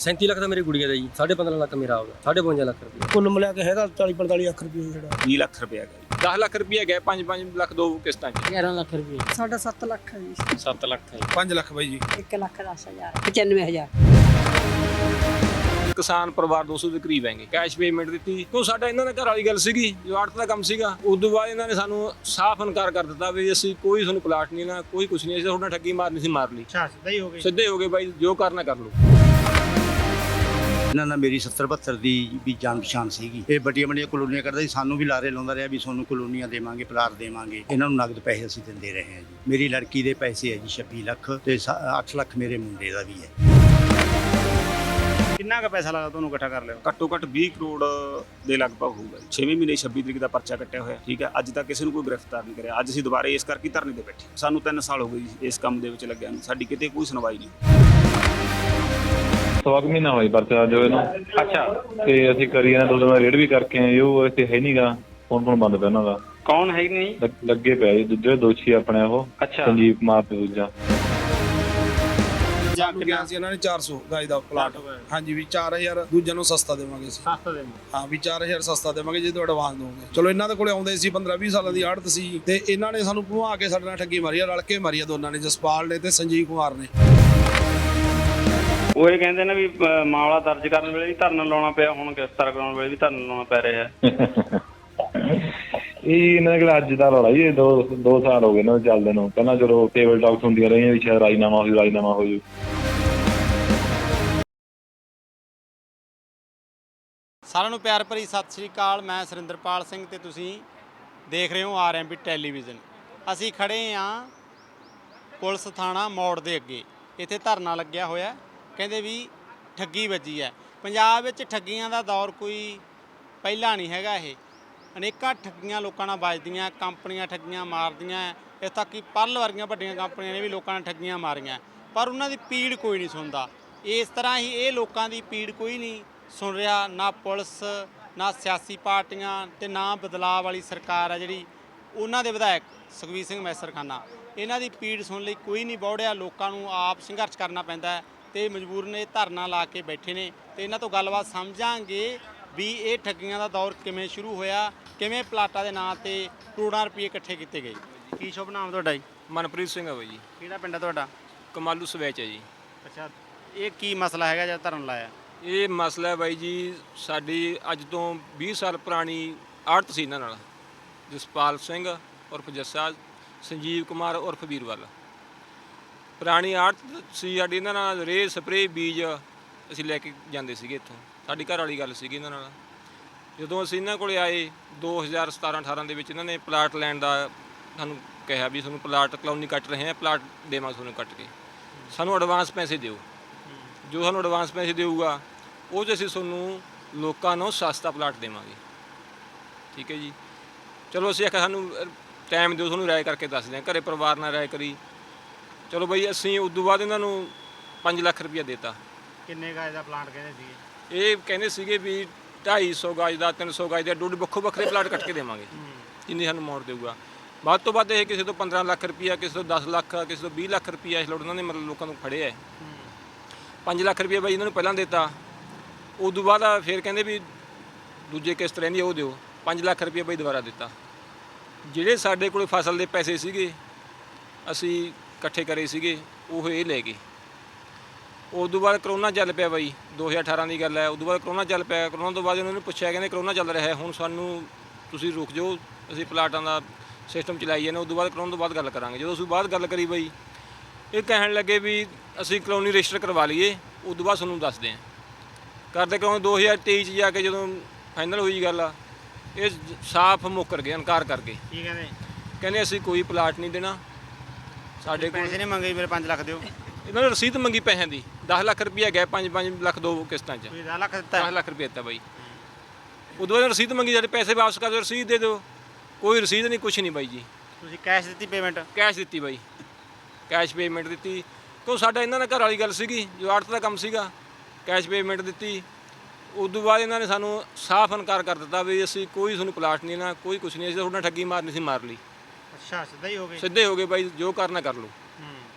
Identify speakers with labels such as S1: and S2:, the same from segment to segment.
S1: 37 ਲੱਖ ਦਾ ਮੇਰੀ ਗੁੜੀਆ ਦਾ ਜੀ, 15.5 ਲੱਖ ਮੇਰਾ ਆਉਗਾ, 52 ਲੱਖ ਰੁਪਏ
S2: ਕੁੱਲ ਮਿਲਾ ਕੇ ਹੈਗਾ 40-45 ਲੱਖ ਰੁਪਏ ਜਿਹੜਾ
S3: 20 ਲੱਖ ਰੁਪਏ ਗਿਆ 10 ਲੱਖ ਰੁਪਏ ਗਿਆ 5 ਲੱਖ ਦੋ ਕਿਸ਼ਤਾਂ ਚ
S4: 11 ਲੱਖ ਰੁਪਏ
S5: ਸਾਡਾ 7 ਲੱਖ ਹੈ ਜੀ
S1: 7 ਲੱਖ ਹੈ
S2: 5 ਲੱਖ ਬਾਈ ਜੀ
S5: 1 ਲੱਖ 10,000 95,000
S3: ਕਿਸਾਨ ਪਰਿਵਾਰ 200 ਦੇ ਕਰੀਬ ਹੈਗੇ ਕੈਸ਼ ਪੇਮੈਂਟ ਦਿੱਤੀ ਉਹ ਸਾਡਾ ਇਹਨਾਂ ਦੇ ਘਰ ਵਾਲੀ ਗੱਲ ਸੀਗੀ ਜੋ ਆੜਤ ਦਾ ਕੰਮ ਸੀਗਾ ਉਸ ਤੋਂ ਬਾਅਦ ਇਹਨਾਂ ਨੇ ਸਾਨੂੰ ਸਾਫ਼ ਇਨਕਾਰ ਕਰ ਦਿੱਤਾ ਵੀ ਅਸੀਂ ਕੋਈ ਤੁਹਾਨੂੰ ਪਲਾਟ ਨਹੀਂ ਨਾ ਕੋਈ ਕੁਛ ਨਹੀਂ ਅਸੀਂ ਤੁਹਾਡਾ ਠੱਗੀ ਮਾਰਨੀ ਸੀ ਮਾਰ ਲਈ
S2: ਅੱਛਾ ਸਿੱਧਾ ਹੀ ਹੋ ਗਏ
S3: ਸਿੱਧੇ ਹੋ ਗਏ ਬਾਈ ਜੋ ਕਰਨਾ ਕਰ ਲਓ
S6: ਇਹਨਾਂ ਨਾਲ ਮੇਰੀ 70-72 ਦੀ ਵੀ ਜਾਣ ਪਛਾਣ ਸੀਗੀ ਇਹ ਵੱਡੀਆਂ ਵੱਡੀਆਂ ਕਲੋਨੀਆਂ ਕਰਦਾ ਸੀ ਸਾਨੂੰ ਵੀ ਲਾਰੇ ਲਾਉਂਦਾ ਰਿਹਾ ਵੀ ਤੁਹਾਨੂੰ ਕਲੋਨੀਆਂ ਦੇਵਾਂਗੇ ਪਲਾਟ ਦੇਵਾਂਗੇ ਇਹਨਾਂ ਨੂੰ ਨਗਦ ਪੈਸੇ ਅਸੀਂ ਦਿੰਦੇ ਰਹੇ ਹਾਂ ਜੀ ਮੇਰੀ ਲੜਕੀ ਦੇ ਪੈਸੇ ਹੈ ਜੀ 26 ਲੱਖ ਤੇ 8 ਲੱਖ ਮੇਰੇ ਮੁੰਡੇ ਦਾ ਵੀ ਹੈ
S2: ਕਿੰਨਾ ਕੁ ਪੈਸਾ ਲੱਗਾ ਤੁਹਾਨੂੰ ਇਕੱਠਾ ਕਰ ਲਿਓ
S3: ਘੱਟੋ ਘੱਟ 20 ਕਰੋੜ ਦੇ ਲਗਭਗ ਹੋਊਗਾ 6ਵੇਂ ਮਹੀਨੇ 26 ਤਰੀਕ ਦਾ ਪਰਚਾ ਕੱਟਿਆ ਹੋਇਆ ਠੀਕ ਹੈ ਅੱਜ ਤੱਕ ਕਿਸੇ ਨੂੰ ਕੋਈ ਗ੍ਰਿਫਤਾਰ ਨਹੀਂ ਕਰਿਆ ਅੱਜ ਅਸੀਂ ਦੁਬਾਰੇ ਇਸ ਕਰਕੇ ਧਰਨੇ ਤੇ ਬੈਠੇ ਸਾਨੂੰ 3 ਸਾਲ ਹੋ ਗਏ ਜੀ ਇਸ ਕੰਮ ਦੇ ਵਿੱਚ ਲੱਗਿਆ ਨੂੰ ਸਾਡੀ ਕਿਤੇ ਕੋਈ ਸੁਣਵਾਈ ਨਹੀਂ
S7: ਸਵਾ ਕੁ ਮਹੀਨਾ ਹੋਈ ਪਰਚਾ ਜੋ ਇਹਨੂੰ ਅੱਛਾ ਤੇ ਅਸੀਂ ਕਰੀ ਇਹਨਾਂ ਦੋ ਰੇਡ ਵੀ ਕਰਕੇ ਆਏ ਉਹ ਇੱਥੇ ਹੈ ਨਹੀਂਗਾ ਫੋਨ ਬੰਦ ਪਿਆ ਉਹਨਾਂ ਦਾ
S8: ਕੌਣ ਹੈ ਨਹੀਂ
S7: ਲੱਗੇ ਪਿਆ ਜੀ ਦੂਜੇ ਦੋਸ਼ੀ ਆਪਣੇ ਉਹ ਸੰਜੀਵ ਕੁਮਾਰ ਤੇ ਦੂਜਾ
S2: ਗਿਆ ਸੀ ਇਹਨਾਂ ਨੇ 400 ਗਾਜ ਦਾ ਪਲਾਟ ਹਾਂਜੀ ਵੀ 4000 ਦੂਜਿਆਂ ਨੂੰ ਸਸਤਾ ਦੇਵਾਂਗੇ ਅਸੀਂ
S8: ਸਸਤਾ ਦੇ
S2: ਹਾਂ ਵੀ 4000 ਸਸਤਾ ਦੇਵਾਂਗੇ ਜੇ ਤੁਹਾਡਾ ਐਡਵਾਂਸ ਦੋਗੇ ਚਲੋ ਇਹਨਾਂ ਦੇ ਕੋਲੇ ਆਉਂਦੇ ਸੀ 15-20 ਸਾਲਾਂ ਦੀ ਆੜਤ ਸੀ ਤੇ ਇਹਨਾਂ ਨੇ ਸਾਨੂੰ ਘੁਮਾ ਕੇ ਸਾਡੇ ਨਾਲ ਠੱਗੀ ਮਾਰੀ ਆ ਰਲ ਕੇ ਮਾਰੀ ਆ ਦੋਨਾਂ ਨੇ ਜਸਪਾਲ ਨੇ ਤੇ ਸੰਜੀਵ ਕੁਮਾਰ ਨੇ
S8: ਉਹ ਇਹ ਕਹਿੰਦੇ ਨੇ ਵੀ ਮਾਮਲਾ ਦਰਜ ਕਰਨ ਵੇਲੇ ਵੀ ਧਰਨਾ ਲਾਉਣਾ ਪਿਆ ਹੁਣ ਗ੍ਰਿਫਤਾਰ ਕਰਾਉਣ ਵੇਲੇ ਵੀ ਧਰਨਾ ਲਾਉਣਾ ਪੈ ਰਿਹਾ ਹੈ
S7: ਇਹ ਇਹਨਾਂ ਕੋਲ ਅੱਜ ਦਾ ਰੌਲਾ ਜੀ 2 ਸਾਲ ਹੋ ਗਏ ਨਾ ਚੱਲਦੇ ਨੂੰ ਪਹਿਲਾਂ ਚਲੋ ਟੇਬਲ ਟਾਕਸ ਹੁੰਦੀਆਂ ਰਹੀਆਂ ਵੀ ਸ਼ਾਇਦ ਰਾਜੀਨਾਮਾ ਹੋ ਜੂ
S9: ਸਾਰਿਆਂ ਨੂੰ ਪਿਆਰ ਭਰੀ ਸਤਿ ਸ਼੍ਰੀ ਅਕਾਲ। ਮੈਂ ਸੁਰਿੰਦਰਪਾਲ ਸਿੰਘ ਤੇ ਤੁਸੀਂ ਦੇਖ ਰਹੇ ਹੋ ਆਰਐਮਬੀ ਟੈਲੀਵਿਜ਼ਨ। ਅਸੀਂ ਖੜੇ ਹਾਂ ਪੁਲਿਸ ਥਾਣਾ ਮੋੜ ਦੇ ਅੱਗੇ। ਇੱਥੇ ਧਰਨਾ ਲੱਗਿਆ ਹੋਇਆ ਕਹਿੰਦੇ ਵੀ ਠੱਗੀ ਵੱਜੀ ਹੈ। ਪੰਜਾਬ ਵਿੱਚ ਠੱਗੀਆਂ ਦਾ ਦੌਰ ਕੋਈ ਪਹਿਲਾਂ ਨਹੀਂ ਹੈਗਾ। ਇਹ ਅਨੇਕਾਂ ਠੱਗੀਆਂ ਲੋਕਾਂ ਨਾਲ ਵੱਜਦੀਆਂ, ਕੰਪਨੀਆਂ ਠੱਗੀਆਂ ਮਾਰਦੀਆਂ, ਇੱਥੇ ਤੱਕ ਕਿ ਪਰਲ ਵਰਗੀਆਂ ਵੱਡੀਆਂ ਕੰਪਨੀਆਂ ਨੇ ਵੀ ਲੋਕਾਂ ਨਾਲ ਠੱਗੀਆਂ ਮਾਰੀਆਂ ਪਰ ਉਹਨਾਂ ਦੀ ਪੀੜ ਕੋਈ ਨਹੀਂ ਸੁਣਦਾ। ਇਸ ਤਰ੍ਹਾਂ ਹੀ ਇਹ ਲੋਕਾਂ ਦੀ ਪੀੜ ਕੋਈ ਨਹੀਂ ਸੁਣ ਰਿਹਾ, ਨਾ ਪੁਲਿਸ ਨਾ ਸਿਆਸੀ ਪਾਰਟੀਆਂ ਤੇ ਨਾ ਬਦਲਾਅ ਵਾਲੀ ਸਰਕਾਰ ਆ ਜਿਹੜੀ ਉਹਨਾਂ ਦੇ ਵਿਧਾਇਕ ਸੁਖਬੀਰ ਸਿੰਘ ਮੈਸਰਖਾਨਾ ਇਹਨਾਂ ਦੀ ਪੀੜ ਸੁਣ ਲਈ ਕੋਈ ਨਹੀਂ ਬੌੜਿਆ। ਲੋਕਾਂ ਨੂੰ ਆਪ ਸੰਘਰਸ਼ ਕਰਨਾ ਪੈਂਦਾ ਤੇ ਮਜਬੂਰਨ ਇਹ ਧਰਨਾ ਲਾ ਕੇ ਬੈਠੇ ਨੇ ਤੇ ਇਹਨਾਂ ਤੋਂ ਗੱਲਬਾਤ ਸਮਝਾਂਗੇ ਵੀ ਇਹ ਠੱਗੀਆਂ ਦਾ ਦੌਰ ਕਿਵੇਂ ਸ਼ੁਰੂ ਹੋਇਆ, ਕਿਵੇਂ ਪਲਾਟਾਂ ਦੇ ਨਾਂ ਤੇ ਕਰੋੜਾਂ ਰੁਪਏ ਇਕੱਠੇ ਕੀਤੇ ਗਏ। ਕੀ ਸ਼ੁਭ ਨਾਮ ਤੁਹਾਡਾ ਜੀ?
S3: ਮਨਪ੍ਰੀਤ ਸਿੰਘ ਹੈ ਬਾਈ ਜੀ।
S9: ਕਿਹੜਾ ਪਿੰਡ ਹੈ ਤੁਹਾਡਾ?
S3: ਕਮਾਲੂ ਸਵੈਚ ਹੈ ਜੀ।
S9: ਅੱਛਾ, ਇਹ ਕੀ ਮਸਲਾ ਹੈਗਾ ਜਦ ਧਰਨ ਲਾਇਆ?
S3: ਇਹ ਮਸਲਾ ਹੈ ਬਾਈ ਜੀ ਸਾਡੀ ਅੱਜ ਤੋਂ 20 ਸਾਲ ਪੁਰਾਣੀ ਆੜਤ ਸੀ ਇਹਨਾਂ ਨਾਲ ਜਸਪਾਲ ਸਿੰਘ ਉਰਫ ਜੱਸਾ, ਸੰਜੀਵ ਕੁਮਾਰ ਉਰਫ ਵੀਰਵਾਲ। ਪੁਰਾਣੀ ਆੜਤ ਸੀ ਸਾਡੀ, ਇਹਨਾਂ ਨਾਲ ਰੇਹ ਸਪਰੇਅ ਬੀਜ ਅਸੀਂ ਲੈ ਕੇ ਜਾਂਦੇ ਸੀਗੇ ਇੱਥੋਂ। ਸਾਡੀ ਘਰ ਵਾਲੀ ਗੱਲ ਸੀਗੀ ਇਹਨਾਂ ਨਾਲ। ਜਦੋਂ ਅਸੀਂ ਇਹਨਾਂ ਕੋਲੇ ਆਏ 2017-18 ਦੇ ਵਿੱਚ ਇਹਨਾਂ ਨੇ ਪਲਾਟ ਲੈਣ ਦਾ ਸਾਨੂੰ ਕਿਹਾ ਵੀ ਤੁਹਾਨੂੰ ਪਲਾਟ ਕਲੋਨੀ ਕੱਟ ਰਹੇ ਹਾਂ, ਪਲਾਟ ਦੇਵਾਂ ਤੁਹਾਨੂੰ ਕੱਟ ਕੇ, ਸਾਨੂੰ ਐਡਵਾਂਸ ਪੈਸੇ ਦਿਓ। ਜੋ ਸਾਨੂੰ ਐਡਵਾਂਸ ਪੈਸੇ ਦੇਊਗਾ ਉਹ 'ਚ ਅਸੀਂ ਤੁਹਾਨੂੰ ਲੋਕਾਂ ਨੂੰ ਸਸਤਾ ਪਲਾਟ ਦੇਵਾਂਗੇ। ਠੀਕ ਹੈ ਜੀ। ਚਲੋ ਅਸੀਂ ਆਖਿਆ ਸਾਨੂੰ ਟਾਈਮ ਦਿਓ, ਤੁਹਾਨੂੰ ਰਾਏ ਕਰਕੇ ਦੱਸਦੇ ਹਾਂ। ਘਰੇ ਪਰਿਵਾਰ ਨਾਲ ਰਾਏ ਕਰੀ। ਚਲੋ ਬਈ ਅਸੀਂ ਉਸ ਤੋਂ ਬਾਅਦ ਇਹਨਾਂ ਨੂੰ 5 ਲੱਖ ਰੁਪਈਆ ਦੇਤਾ।
S9: ਕਿੰਨੇ ਗਾਜ ਦਾ ਪਲਾਟ ਕਹਿੰਦੇ ਸੀਗੇ?
S3: ਇਹ ਕਹਿੰਦੇ ਸੀਗੇ ਵੀ 250 ਗਜ ਦਾ 300 ਗਜ ਦਾ ਡੁੱਡ ਵੱਖੋ ਵੱਖਰੇ ਪਲਾਟ ਕੱਟ ਕੇ ਦੇਵਾਂਗੇ ਜਿੰਨੀ ਸਾਨੂੰ ਮੋੜ ਦੇਊਗਾ। ਵੱਧ ਤੋਂ ਵੱਧ ਇਹ ਕਿਸੇ ਤੋਂ 15 ਲੱਖ ਰੁਪਈਆ, ਕਿਸੇ ਤੋਂ 10 ਲੱਖ, ਕਿਸੇ ਤੋਂ 20 ਲੱਖ ਰੁਪਈਆ ਇਸ ਲੋੜ ਉਹਨਾਂ ਨੇ ਮਤਲਬ ਲੋਕਾਂ ਨੂੰ ਫੜਿਆ ਹੈ। 5 ਲੱਖ ਰੁਪਈਆ ਬਾਈ ਇਹਨਾਂ ਨੂੰ ਪਹਿਲਾਂ ਦਿੱਤਾ। ਉਸ ਤੋਂ ਬਾਅਦ ਫਿਰ ਕਹਿੰਦੇ ਵੀ ਦੂਜੇ ਕਿਸ਼ਤ ਰਹਿੰਦੀ ਉਹ ਦਿਓ। 5 ਲੱਖ ਰੁਪਈਆ ਬਾਈ ਦੁਬਾਰਾ ਦਿੱਤਾ। ਜਿਹੜੇ ਸਾਡੇ ਕੋਲ ਫਸਲ ਦੇ ਪੈਸੇ ਸੀਗੇ ਅਸੀਂ ਇਕੱਠੇ ਕਰੇ ਸੀਗੇ ਉਹ ਇਹ ਲੈ ਗਏ। ਉਸ ਤੋਂ ਬਾਅਦ ਕਰੋਨਾ ਚੱਲ ਪਿਆ ਬਾਈ, 2018 ਦੀ ਗੱਲ ਹੈ। ਉਸ ਤੋਂ ਬਾਅਦ ਕਰੋਨਾ ਚੱਲ ਪਿਆ। ਕਰੋਨਾ ਤੋਂ ਬਾਅਦ ਉਹਨਾਂ ਨੂੰ ਪੁੱਛਿਆ, ਕਹਿੰਦੇ ਕਰੋਨਾ ਚੱਲ ਰਿਹਾ ਹੁਣ ਸਾਨੂੰ ਤੁਸੀਂ ਰੁਕ ਜਾਓ, ਅਸੀਂ ਪਲਾਟਾਂ ਦਾ ਸਿਸਟਮ ਚਲਾਈ ਜਾਂਦੇ। ਉਸ ਤੋਂ ਬਾਅਦ ਕਰੋਨਾ ਤੋਂ ਬਾਅਦ ਗੱਲ ਕਰਾਂਗੇ। ਜਦੋਂ ਅਸੀਂ ਬਾਅਦ ਗੱਲ ਕਰੀ ਬਾਈ ਇਹ ਕਹਿਣ ਲੱਗੇ ਵੀ ਅਸੀਂ ਕਲੋਨੀ ਰਜਿਸਟਰ ਕਰਵਾ ਲਈਏ, ਉਸ ਤੋਂ ਬਾਅਦ ਤੁਹਾਨੂੰ ਦੱਸਦੇ ਹਾਂ। ਕਰਦੇ ਕਿਉਂ 2023 'ਚ ਜਾ ਕੇ ਜਦੋਂ ਫਾਈਨਲ ਹੋਈ ਗੱਲ ਆ ਇਹ ਸਾਫ਼ ਮੁੱਕਰ ਗਏ, ਇਨਕਾਰ ਕਰ ਗਏ।
S9: ਕੀ ਕਹਿੰਦੇ?
S3: ਕਹਿੰਦੇ ਅਸੀਂ ਕੋਈ ਪਲਾਟ ਨਹੀਂ ਦੇਣਾ, ਸਾਡੇ ਕੋਲ
S9: ਪੈਸੇ ਨਹੀਂ ਮੰਗੇ, ਮੇਰੇ 5 ਲੱਖ ਦਿਓ।
S3: ਇਹਨਾਂ ਨੇ ਰਸੀਦ ਮੰਗੀ ਪੈਸਿਆਂ ਦੀ। 10 ਲੱਖ ਰੁਪਈਆ ਗਿਆ, 5 ਲੱਖ ਦੋ ਕਿਸ਼ਤਾਂ 'ਚ।
S9: 10 ਲੱਖ ਦਿੱਤਾ?
S3: 10 ਲੱਖ ਰੁਪਏ ਦਿੱਤਾ ਬਾਈ। ਉਦੋਂ ਬਾਅਦ ਰਸੀਦ ਮੰਗੀ, ਸਾਡੇ ਪੈਸੇ ਵਾਪਸ ਕਰ ਦਿਓ, ਰਸੀਦ ਦੇ ਦਿਓ। ਕੋਈ ਰਸੀਦ ਨਹੀਂ, ਕੁਛ ਨਹੀਂ ਬਾਈ ਜੀ।
S9: ਤੁਸੀਂ ਕੈਸ਼ ਦਿੱਤੀ ਪੇਮੈਂਟ?
S3: ਕੈਸ਼ ਦਿੱਤੀ ਬਾਈ, ਕੈਸ਼ ਪੇਮੈਂਟ ਦਿੱਤੀ। ਕਿਉਂ ਸਾਡਾ ਇਹਨਾਂ ਨਾਲ ਘਰ ਵਾਲੀ ਗੱਲ ਸੀਗੀ ਜੋ ਆੜਤ ਦਾ ਕੰਮ ਸੀਗਾ। ਕੈਸ਼ ਪੇਮੈਂਟ ਦਿੱਤੀ। ਉਸ ਤੋਂ ਬਾਅਦ ਇਹਨਾਂ ਨੇ ਸਾਨੂੰ ਸਾਫ਼ ਇਨਕਾਰ ਕਰ ਦਿੱਤਾ ਵੀ ਅਸੀਂ ਕੋਈ ਤੁਹਾਨੂੰ ਪਲਾਟ ਨਹੀਂ ਨਾ ਕੋਈ ਕੁਛ ਨਹੀਂ, ਅਸੀਂ ਤੁਹਾਡਾ ਠੱਗੀ ਮਾਰਨੀ ਸੀ ਮਾਰ ਲਈ।
S9: ਅੱਛਾ, ਸਿੱਧਾ ਹੀ ਹੋ ਗਏ?
S3: ਸਿੱਧੇ ਹੋ ਗਏ ਬਾਈ, ਜੋ ਕਰਨਾ ਕਰ ਲਓ।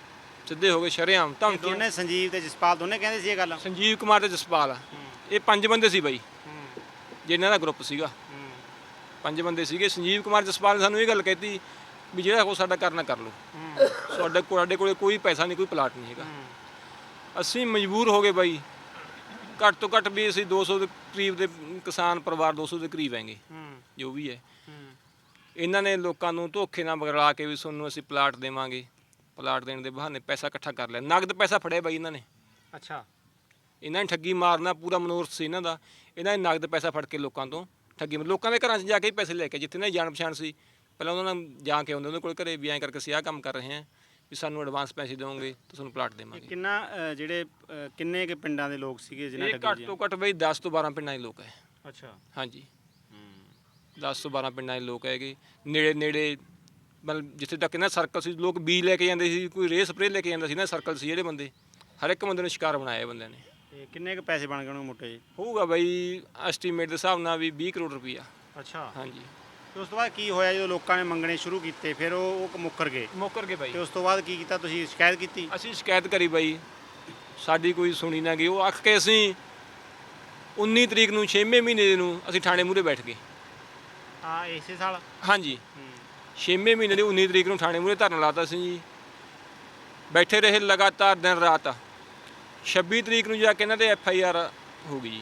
S3: ਸਿੱਧੇ ਹੋ ਗਏ ਸ਼ਰੇਆਮ ਧਮਕੀਆਂ।
S9: ਦੋਨੇ ਸੰਜੀਵ ਤੇ ਜਸਪਾਲ ਦੋਨੇ ਕਹਿੰਦੇ ਸੀ ਇਹ ਗੱਲ।
S3: ਸੰਜੀਵ ਕੁਮਾਰ ਤੇ ਜਸਪਾਲ ਇਹ 5 ਬੰਦੇ ਸੀ ਬਾਈ, ਜਿਨ੍ਹਾਂ ਦਾ ਗਰੁੱਪ ਸੀਗਾ 5 ਬੰਦੇ ਸੀਗੇ। ਸੰਜੀਵ ਕੁਮਾਰ ਜਸਪਾਲ ਨੇ ਸਾਨੂੰ ਇਹ ਗੱਲ ਕਹਿਤੀ ਵੀ ਜਿਹੜਾ ਕੋ ਸਾਡਾ ਕਰਨਾ ਕਰ ਲਓ, ਸਾਡੇ ਕੋਲੇ ਕੋਈ ਪੈਸਾ ਨਹੀਂ, ਕੋਈ ਪਲਾਟ ਨਹੀਂ ਹੈਗਾ। ਅਸੀਂ ਮਜਬੂਰ ਹੋ ਗਏ ਬਾਈ, ਘੱਟ ਤੋਂ ਘੱਟ ਵੀ ਅਸੀਂ 200 ਦੇ ਕਰੀਬ ਦੇ ਕਿਸਾਨ ਪਰਿਵਾਰ 200 ਦੇ ਕਰੀਬ ਹੈਗੇ ਜੋ ਵੀ ਹੈ। ਇਹਨਾਂ ਨੇ ਲੋਕਾਂ ਨੂੰ ਧੋਖੇ ਨਾਲ ਬਗਲਾ ਕੇ ਵੀ ਤੁਹਾਨੂੰ ਅਸੀਂ ਪਲਾਟ ਦੇਵਾਂਗੇ, ਪਲਾਟ ਦੇਣ ਦੇ ਬਹਾਨੇ ਪੈਸਾ ਇਕੱਠਾ ਕਰ ਲਿਆ, ਨਗਦ ਪੈਸਾ ਫੜਿਆ ਬਾਈ ਇਹਨਾਂ ਨੇ।
S9: ਅੱਛਾ,
S3: ਇਹਨਾਂ ਨੇ ਠੱਗੀ ਮਾਰਨਾ ਪੂਰਾ ਮਨੋਰਥ ਸੀ ਇਹਨਾਂ ਦਾ। ਇਹਨਾਂ ਨੇ ਨਗਦ ਪੈਸਾ ਫੜ ਕੇ ਲੋਕਾਂ ਤੋਂ ਠੱਗੀ, ਲੋਕਾਂ ਦੇ ਘਰਾਂ 'ਚ ਜਾ ਕੇ ਹੀ ਪੈਸੇ ਲੈ ਕੇ, ਜਿੱਥੇ ਇਹਨਾਂ ਦੀ ਜਾਣ ਪਛਾਣ ਸੀ ਪਹਿਲਾਂ ਉਹਨਾਂ ਨਾਲ ਜਾ ਕੇ ਆਉਂਦੇ ਉਹਨਾਂ ਕੋਲ ਘਰੇ ਵੀ ਐਂ ਕਰਕੇ ਅਸੀਂ ਆਹ ਕੰਮ ਕਰ ਰਹੇ ਹਾਂ ਵੀ ਸਾਨੂੰ ਐਡਵਾਂਸ ਪੈਸੇ ਦਿਓਗੇ ਤਾਂ ਤੁਹਾਨੂੰ ਪਲਾਟ ਦੇਵਾਂਗੇ।
S9: ਕਿੰਨੇ ਕੇ ਪਿੰਡਾਂ ਦੇ ਲੋਕ ਸੀਗੇ ਜਿਨ੍ਹਾਂ
S3: ਇਹ
S9: ਠੱਗੀ
S3: ਘੱਟ ਤੋਂ ਘੱਟ ਬਈ 10 ਤੋਂ 12 ਪਿੰਡਾਂ ਦੇ ਲੋਕ ਹੈ।
S9: ਅੱਛਾ,
S3: ਹਾਂਜੀ 10 ਤੋਂ 12 ਪਿੰਡਾਂ ਦੇ ਲੋਕ ਹੈਗੇ, ਨੇੜੇ ਮਤਲਬ ਜਿੱਥੇ ਤੱਕ ਇਹਨਾਂ ਸਰਕਲ ਸੀ, ਲੋਕ ਬੀਜ ਲੈ ਕੇ ਜਾਂਦੇ ਸੀ, ਕੋਈ ਰੇਹ ਸਪਰੇਅ ਲੈ ਕੇ ਜਾਂਦਾ ਸੀ ਨਾ, ਸਰਕਲ ਸੀ ਜਿਹੜੇ ਬੰਦੇ, ਹਰ ਇੱਕ ਬੰਦੇ ਨੂੰ ਸ਼ਿਕਾਰ ਬਣਾਇਆ ਇਹ ਬੰਦਿਆਂ ਨੇ।
S9: ਤੇ ਕਿੰਨੇ ਕੁ ਪੈਸੇ ਬਣ ਗਏ ਉਹਨਾਂ ਮੋਟੇ ਜੀ?
S3: ਹੋਊਗਾ ਬਾਈ ਐਸਟੀਮੇਟ ਦੇ ਹਿਸਾਬ ਨਾਲ ਵੀ 20 ਕਰੋੜ ਰੁਪਈਆ।
S9: ਅੱਛਾ,
S3: ਹਾਂਜੀ।
S9: ਤੇ ਉਸ ਤੋਂ ਬਾਅਦ ਕੀ ਹੋਇਆ ਜਦੋਂ ਲੋਕਾਂ ਨੇ ਮੰਗਣੇ ਸ਼ੁਰੂ ਕੀਤੇ, ਫਿਰ ਉਹ ਮੁੱਕਰ ਗਏ?
S3: ਮੁੱਕਰ ਗਏ ਬਾਈ।
S9: ਤੇ ਉਸ ਤੋਂ ਬਾਅਦ ਕੀ ਕੀਤਾ ਤੁਸੀਂ? ਸ਼ਿਕਾਇਤ ਕੀਤੀ?
S3: ਅਸੀਂ ਸ਼ਿਕਾਇਤ ਕਰੀ ਬਾਈ, ਸਾਡੀ ਕੋਈ ਸੁਣੀ ਨਾ ਗਈ। ਉਹ ਆਖ ਕੇ ਅਸੀਂ 19 ਤਰੀਕ ਨੂੰ 6ਵੇਂ ਮਹੀਨੇ ਨੂੰ ਅਸੀਂ ਥਾਣੇ ਮੂਹਰੇ ਬੈਠ ਗਏ।
S9: ਹਾਂ, ਇਸੇ ਸਾਲ?
S3: ਹਾਂਜੀ 6ਵੇਂ ਮਹੀਨੇ ਦੀ 19 ਤਰੀਕ ਨੂੰ ਥਾਣੇ ਮੂਹਰੇ ਧਰਨਾ ਲਾਤਾ ਸੀ ਜੀ। ਬੈਠੇ ਰਹੇ ਲਗਾਤਾਰ ਦਿਨ ਰਾਤ। 26 ਤਰੀਕ ਨੂੰ ਜਾ ਕੇ ਇਹਨਾਂ ਦੇ FIR ਹੋ ਗਈ ਜੀ।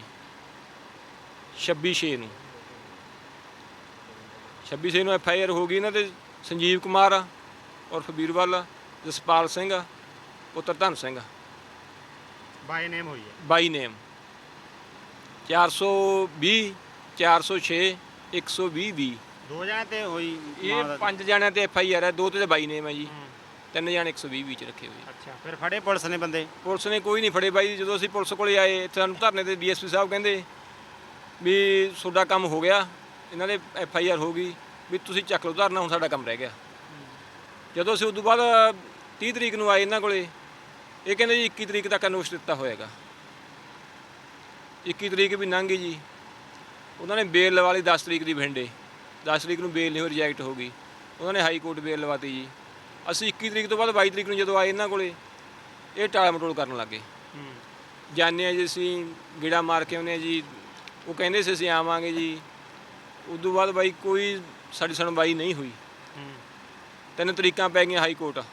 S3: 26/6 ਨੂੰ 26/6 ਨੂੰ FIR ਹੋ ਗਈ ਇਹਨਾਂ ਦੇ ਸੰਜੀਵ ਕੁਮਾਰ ਉਰਫ ਵੀਰਵਾਲ, ਜਸਪਾਲ ਸਿੰਘ ਪੁੱਤਰ ਧਨ ਸਿੰਘ
S9: ਬਾਈ ਨੇਮ ਹੋਈ ਹੈ।
S3: ਬਾਈ ਨੇਮ 420 406 120
S9: ਦੋ ਜਣੇ ਤੇ ਹੋਈ?
S3: ਇਹ 5 ਜਣਿਆਂ ਤੇ FIR ਹੈ, 2 ਤੇ ਬਾਈ ਨੇਮ ਹੈ ਜੀ, 3 ਜਣੇ 120 ਚ ਰੱਖੇ ਹੋਏ।
S9: ਅੱਛਾ, ਫਿਰ ਫੜੇ ਪੁਲਿਸ ਨੇ ਬੰਦੇ?
S3: ਪੁਲਿਸ ਨੇ ਕੋਈ ਨਹੀਂ ਫੜੇ ਬਾਈ। ਜਦੋਂ ਅਸੀਂ ਪੁਲਿਸ ਕੋਲੇ ਆਏ ਇੱਥੇ ਸਾਨੂੰ ਧਰਨੇ ਤੇ DSP ਸਾਹਿਬ ਕਹਿੰਦੇ ਵੀ ਤੁਹਾਡਾ ਕੰਮ ਹੋ ਗਿਆ, ਇਹਨਾਂ ਦੇ FIR ਹੋ ਗਈ ਵੀ ਤੁਸੀਂ ਚੱਕ ਲਓ ਧਰਨਾ, ਹੁਣ ਸਾਡਾ ਕੰਮ ਰਹਿ ਗਿਆ। ਜਦੋਂ ਅਸੀਂ ਉਦੋਂ ਬਾਅਦ 30 ਤਰੀਕ ਨੂੰ ਆਏ ਇਹਨਾਂ ਕੋਲੇ, ਇਹ ਕਹਿੰਦੇ ਜੀ 21 ਤਰੀਕ ਤੱਕ ਨੋਟਿਸ ਦਿੱਤਾ ਹੋਏਗਾ। 21 ਤਰੀਕ ਵੀ ਲੰਘ ਗਈ ਜੀ। ਉਹਨਾਂ ਨੇ ਬੇਲ ਲਵਾ ਲਈ 10 ਤਰੀਕ ਦੀ ਬਠਿੰਡੇ, 10 ਤਰੀਕ ਨੂੰ ਬੇਲ ਨਹੀਂ ਹੋਈ, ਰਿਜੈਕਟ ਹੋ ਗਈ। ਉਹਨਾਂ ਨੇ ਹਾਈ ਕੋਰਟ ਬੇਲ ਲਵਾਤੀ ਜੀ। ਅਸੀਂ 21 ਤਰੀਕ ਤੋਂ ਬਾਅਦ 22 ਤਰੀਕ ਨੂੰ ਜਦੋਂ ਆਏ ਇਹਨਾਂ ਕੋਲੇ, ਇਹ ਟਾਲ ਮਟੋਲ ਕਰਨ ਲੱਗੇ। ਜਾਂਦੇ ਹਾਂ ਜੀ ਅਸੀਂ, ਗੇੜਾ ਮਾਰ ਕੇ ਆਉਂਦੇ ਹਾਂ ਜੀ, ਉਹ ਕਹਿੰਦੇ ਸੀ ਅਸੀਂ ਆਵਾਂਗੇ ਜੀ। ਉਦੋਂ ਬਾਅਦ ਬਾਈ ਕੋਈ ਸਾਡੀ ਸੁਣਵਾਈ ਨਹੀਂ ਹੋਈ। 3 ਤਰੀਕਾਂ ਪੈ ਗਈਆਂ ਹਾਈ ਕੋਰਟ,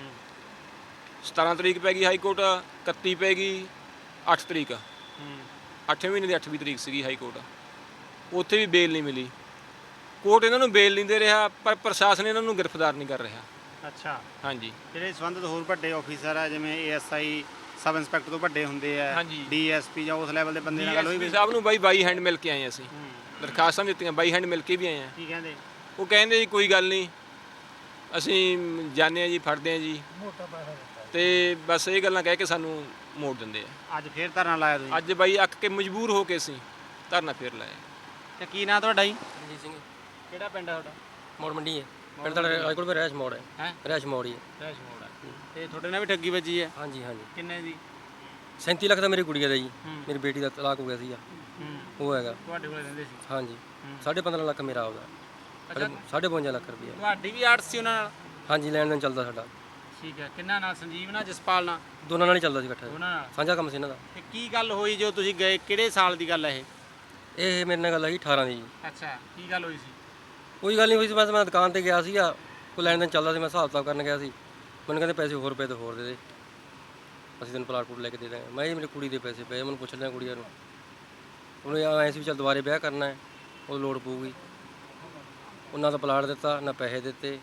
S3: 17 ਤਰੀਕ ਪੈ ਗਈ ਹਾਈ ਕੋਰਟ, 31 ਪੈ ਗਈ, 8 ਤਰੀਕ 8ਵੇਂ ਮਹੀਨੇ ਦੀ 8ਵੀਂ ਤਰੀਕ ਸੀਗੀ ਹਾਈ ਕੋਰਟ। ਉੱਥੇ ਵੀ ਬੇਲ ਨਹੀਂ ਮਿਲੀ। ਕੋਰਟ ਇਹਨਾਂ ਨੂੰ ਬੇਲ ਨਹੀਂ ਦੇ ਰਿਹਾ, ਪਰ ਪ੍ਰਸ਼ਾਸਨ ਇਹਨਾਂ ਨੂੰ ਗ੍ਰਿਫਤਾਰ ਨਹੀਂ ਕਰ ਰਿਹਾ।
S9: ਅੱਛਾ,
S3: ਹਾਂਜੀ।
S9: ਜਿਹੜੇ ਸੰਬੰਧਿਤ ਹੋਰ ਵੱਡੇ ਆਫੀਸਰ ਆ, ਜਿਵੇਂ ASI ਸਬ ਇੰਸਪੈਕਟਰ ਤੋਂ ਵੱਡੇ ਹੁੰਦੇ ਆ,
S3: ਹਾਂਜੀ।
S9: DSP ਜਾਂ ਉਸ ਲੈਵਲ ਦੇ ਬੰਦੇ ਨਾਲ ਗੱਲ ਹੋਈ?
S3: DSP ਸਾਹਿਬ ਨੂੰ ਬਾਈ ਹੈਂਡ ਮਿਲ ਕੇ ਆਏ ਅਸੀਂ, ਦਰਖਾਸਤਾਂ ਦਿੱਤੀਆਂ, ਬਾਈ ਹੈਂਡ ਮਿਲ ਕੇ ਵੀ ਆਏ ਆ।
S9: ਕੀ ਕਹਿੰਦੇ?
S3: ਉਹ ਕਹਿੰਦੇ ਜੀ ਕੋਈ ਗੱਲ ਨਹੀਂ, ਅਸੀਂ ਜਾਂਦੇ ਹਾਂ ਜੀ, ਫੜਦੇ ਹਾਂ ਜੀ, ਤੇ ਬਸ ਇਹ ਗੱਲਾਂ ਕਹਿ ਕੇ ਸਾਨੂੰ ਮੋੜ ਦਿੰਦੇ ਆ।
S9: ਅੱਜ ਫੇਰ ਧਰਨਾ ਲਾਇਆ ਤੁਸੀਂ?
S3: ਅੱਜ ਬਾਈ ਅੱਕ ਕੇ ਮਜਬੂਰ ਹੋ ਕੇ ਅਸੀਂ ਧਰਨਾ ਫੇਰ ਲਾਇਆ।
S9: ਤੇ ਕੀ ਨਾਂ ਤੁਹਾਡਾ ਜੀ?
S1: ਰਣਜੀਤ ਸਿੰਘ
S9: ਕਿਹੜਾ ਪਿੰਡ ਆ ਤੁਹਾਡਾ?
S1: ਮੋੜ ਮੰਡੀ ਹੈ ਪਿੰਡ ਦਾ, ਰਾਜਕੋਟ ਵਿੱਚ ਰਹਿਸ਼ ਮੋੜ ਹੈ।
S9: ਹੈ
S1: ਰਹਿਸ਼ ਮੋੜ ਹੀ ਹੈ।
S9: ਰੈਸ਼ ਮੋੜ ਆ। ਤੇ ਤੁਹਾਡੇ ਨਾਲ ਵੀ ਠੱਗੀ ਵੱਜੀ ਹੈ?
S1: ਹਾਂਜੀ ਹਾਂਜੀ।
S9: ਕਿੰਨੇ ਦੀ?
S1: 37 ਲੱਖ ਦਾ ਮੇਰੀ ਗੁੜੀਆ ਦਾ ਜੀ। ਮੇਰੀ ਬੇਟੀ ਦਾ ਤਲਾਕ ਹੋ ਗਿਆ ਸੀਗਾ, ਉਹ ਹੈਗਾ।
S9: ਤੁਹਾਡੇ ਕੋਲ ਰਹਿੰਦੇ ਸੀ?
S1: ਹਾਂਜੀ 15.5 ਲੱਖ ਮੇਰਾ ਆਉਂਦਾ, 52 ਲੱਖ ਰੁਪਇਆ।
S9: ਤੁਹਾਡੀ ਵੀ ਆੜਤ ਸੀ ਉਹਨਾਂ ਨਾਲ?
S1: ਹਾਂਜੀ ਲੈਣ ਦੇਣ ਚੱਲਦਾ ਸਾਡਾ।
S9: ਠੀਕ ਹੈ। ਕਿੰਨਾ ਨਾਲ? ਸੰਜੀਵ ਨਾਲ, ਜਸਪਾਲ ਨਾਲ?
S1: ਦੋਨਾਂ ਨਾਲ ਹੀ ਚੱਲਦਾ ਸੀ ਇਕੱਠਾ,
S9: ਉਹਨਾਂ ਨਾਲ?
S1: ਸਾਂਝਾ ਕੰਮ ਸੀ ਇਹਨਾਂ ਦਾ।
S9: ਤੇ ਕੀ ਗੱਲ ਹੋਈ ਜੋ ਤੁਸੀਂ ਗਏ? ਕਿਹੜੇ ਸਾਲ ਦੀ ਗੱਲ ਹੈ ਇਹ?
S1: ਇਹ ਮੇਰੇ ਨਾਲ ਗੱਲ ਹੈਗੀ 18 ਦੀ ਜੀ।
S9: ਅੱਛਾ, ਕੀ ਗੱਲ ਹੋਈ ਸੀ?
S1: ਕੋਈ ਗੱਲ ਨਹੀਂ ਹੋਈ ਸੀ, ਬਸ ਮੈਂ ਦੁਕਾਨ ਤੇ ਗਿਆ ਸੀਗਾ, ਕੋਈ ਲੈਣ ਦੇਣ ਚੱਲਦਾ ਸੀ, ਮੈਂ ਹਿਸਾਬ ਕਿਤਾਬ ਕਰਨ ਗਿਆ ਸੀ। ਮੈਨੂੰ ਕਹਿੰਦੇ ਪੈਸੇ ਹੋਰ ਪਏ ਤੇ ਹੋਰ ਦੇ ਦੇ, ਅਸੀਂ ਤੈਨੂੰ ਪਲਾਟ ਪੂਟ ਲੈ ਕੇ ਦੇ ਦਾਂਗੇ। ਮੈਂ ਜੀ ਮੇਰੀ ਕੁੜੀ ਦੇ ਪੈਸੇ ਪਏ, ਮੈਨੂੰ ਪੁੱਛ ਲਿਆ ਕੁੜੀਆਂ ਨੂੰ, ਉਹਨੇ ਐਂ ਸੀ ਵੀ ਚੱਲ ਦੁਬਾਰੇ ਵਿਆਹ ਕਰਨਾ ਹੈ, ਉਹ ਲੋੜ ਪਊਗੀ। ਉਹਨਾਂ ਦਾ ਪਲਾਟ ਦਿੱਤਾ, ਨਾ ਪੈਸੇ ਦਿੱਤੇ,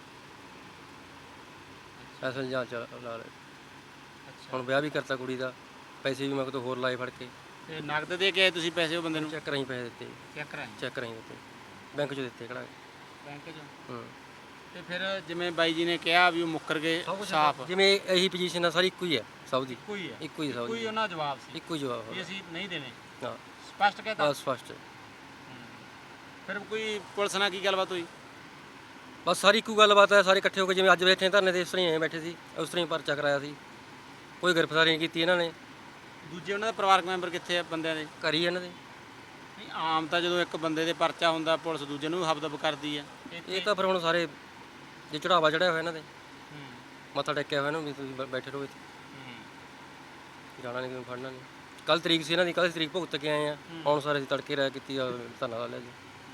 S1: ਐਸਾ ਜਾਂ ਲਾ ਲੈ। ਹੁਣ ਵਿਆਹ ਵੀ ਕਰਤਾ ਕੁੜੀ ਦਾ, ਪੈਸੇ ਵੀ ਮੈਂ ਕਿਤੋਂ ਹੋਰ ਲਾਏ ਫੜ ਕੇ।
S9: ਤੇ ਨਗਦ ਦੇ ਕੇ ਆਏ ਤੁਸੀਂ ਪੈਸੇ ਉਹ ਬੰਦੇ ਨੂੰ?
S1: ਚੈੱਕ ਰਾਹੀਂ ਪੈਸੇ ਦਿੱਤੇ,
S9: ਚੈੱਕ ਕਰਾਏ?
S1: ਚੈੱਕ ਰਾਹੀਂ ਦਿੱਤੇ, ਬੈਂਕ 'ਚੋਂ ਦਿੱਤੇ ਕਢਾ ਕੇ।
S9: ਬੈਂਕ 'ਚੋਂ?
S1: ਹੂੰ।
S9: ਤੇ ਫਿਰ ਜਿਵੇਂ ਬਾਈ ਜੀ ਨੇ ਕਿਹਾ ਵੀ ਉਹ ਮੁੱਕਰ ਗਏ ਸਾਫ਼?
S1: ਜਿਵੇਂ ਇਹੀ ਪੋਜੀਸ਼ਨ ਆ ਸਾਰੀ ਇੱਕੋ ਹੀ ਹੈ ਸਭ ਦੀ,
S9: ਇੱਕੋ ਹੀ ਹੈ?
S1: ਇੱਕੋ ਹੀ ਸਭ
S9: ਕੋਈ
S1: ਦੀ,
S9: ਉਹਨਾਂ ਦਾ ਜਵਾਬ ਸੀ
S1: ਇੱਕੋ ਹੀ ਜਵਾਬ
S9: ਵੀ
S1: ਹੋਗਾ।
S9: ਅਸੀਂ ਨਹੀਂ ਦੇਣੇ?
S1: ਹਾਂ
S9: ਸਪਸ਼ਟ ਕਹਿਤਾ?
S1: ਬਸ ਫਸਟ।
S9: ਫਿਰ ਕੋਈ ਪੁਲਿਸ ਨਾਲ ਕੀ ਗੱਲਬਾਤ ਹੋਈ?
S1: ਬਸ ਸਾਰੀ ਇੱਕੋ ਗੱਲਬਾਤ ਹੈ, ਸਾਰੇ ਇਕੱਠੇ ਹੋ ਕੇ ਜਿਵੇਂ ਅੱਜ ਬੈਠੇ ਧਰਨੇ ਤੇ ਇਸ ਤਰ੍ਹਾਂ ਹੀ ਐਂ ਬੈਠੇ ਸੀ, ਉਸ ਤਰ੍ਹਾਂ ਹੀ ਪਰਚਾ ਕਰਾਇਆ ਸੀ। ਕੋਈ ਗ੍ਰਿਫਤਾਰੀ ਨਹੀਂ ਕੀਤੀ ਇਹਨਾਂ ਨੇ।
S9: ਦੂਜੇ ਉਹਨਾਂ ਦੇ ਪਰਿਵਾਰਕ ਮੈਂਬਰ ਕਿੱਥੇ ਆ ਬੰਦਿਆਂ ਦੇ?
S1: ਘਰ ਹੀ ਇਹਨਾਂ ਦੇ।
S9: ਨਹੀਂ, ਆਮ ਤਾਂ ਜਦੋਂ ਇੱਕ ਬੰਦੇ ਦੇ ਪਰਚਾ ਹੁੰਦਾ ਪੁਲਿਸ ਦੂਜੇ ਨੂੰ ਵੀ ਹਬਦਬ ਕਰਦੀ ਆ।
S1: ਇਹ ਤਾਂ ਫਿਰ ਹੁਣ ਸਾਰੇ ਜੇ ਚੜਾਵਾ ਚੜਿਆ ਹੋਇਆ ਇਹਨਾਂ ਦੇ, ਮੱਥਾ ਟੇਕਿਆ ਹੋਇਆ ਨਾ ਵੀ ਤੁਸੀਂ ਬੈਠੇ ਰਹੋ ਇੱਥੇ, ਜਾਣਾ ਨਹੀਂ ਕਿਉਂ ਫੜਨਾ ਨਹੀਂ। ਕੱਲ ਤਰੀਕ ਸੀ ਇਹਨਾਂ ਦੀ, ਕੱਲ ਤਰੀਕ ਭੁਗਤ ਕੇ ਆਏ ਆ, ਹੁਣ ਸਾਰੇ ਅਸੀਂ ਤੜਕੇ ਰਹਿ ਕੀਤੀ ਆ, ਧਰਨਾ ਲਾ ਲਿਆ ਜੀ।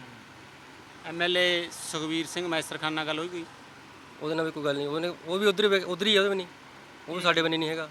S9: ਐਮਐਲਏ ਸੁਖਵੀਰ ਸਿੰਘ ਮੈਸਰਖਾਨ ਨਾਲ ਗੱਲ ਹੋਈ ਕੋਈ?
S1: ਉਹਦੇ ਨਾਲ ਵੀ ਕੋਈ ਗੱਲ ਨਹੀਂ, ਉਹ ਵੀ ਉਧਰ ਹੀ ਆ, ਉਹਦੇ ਵੀ ਨਹੀਂ, ਉਹ ਵੀ ਸਾਡੇ ਬੰਨੇ ਨਹੀਂ ਹੈਗਾ।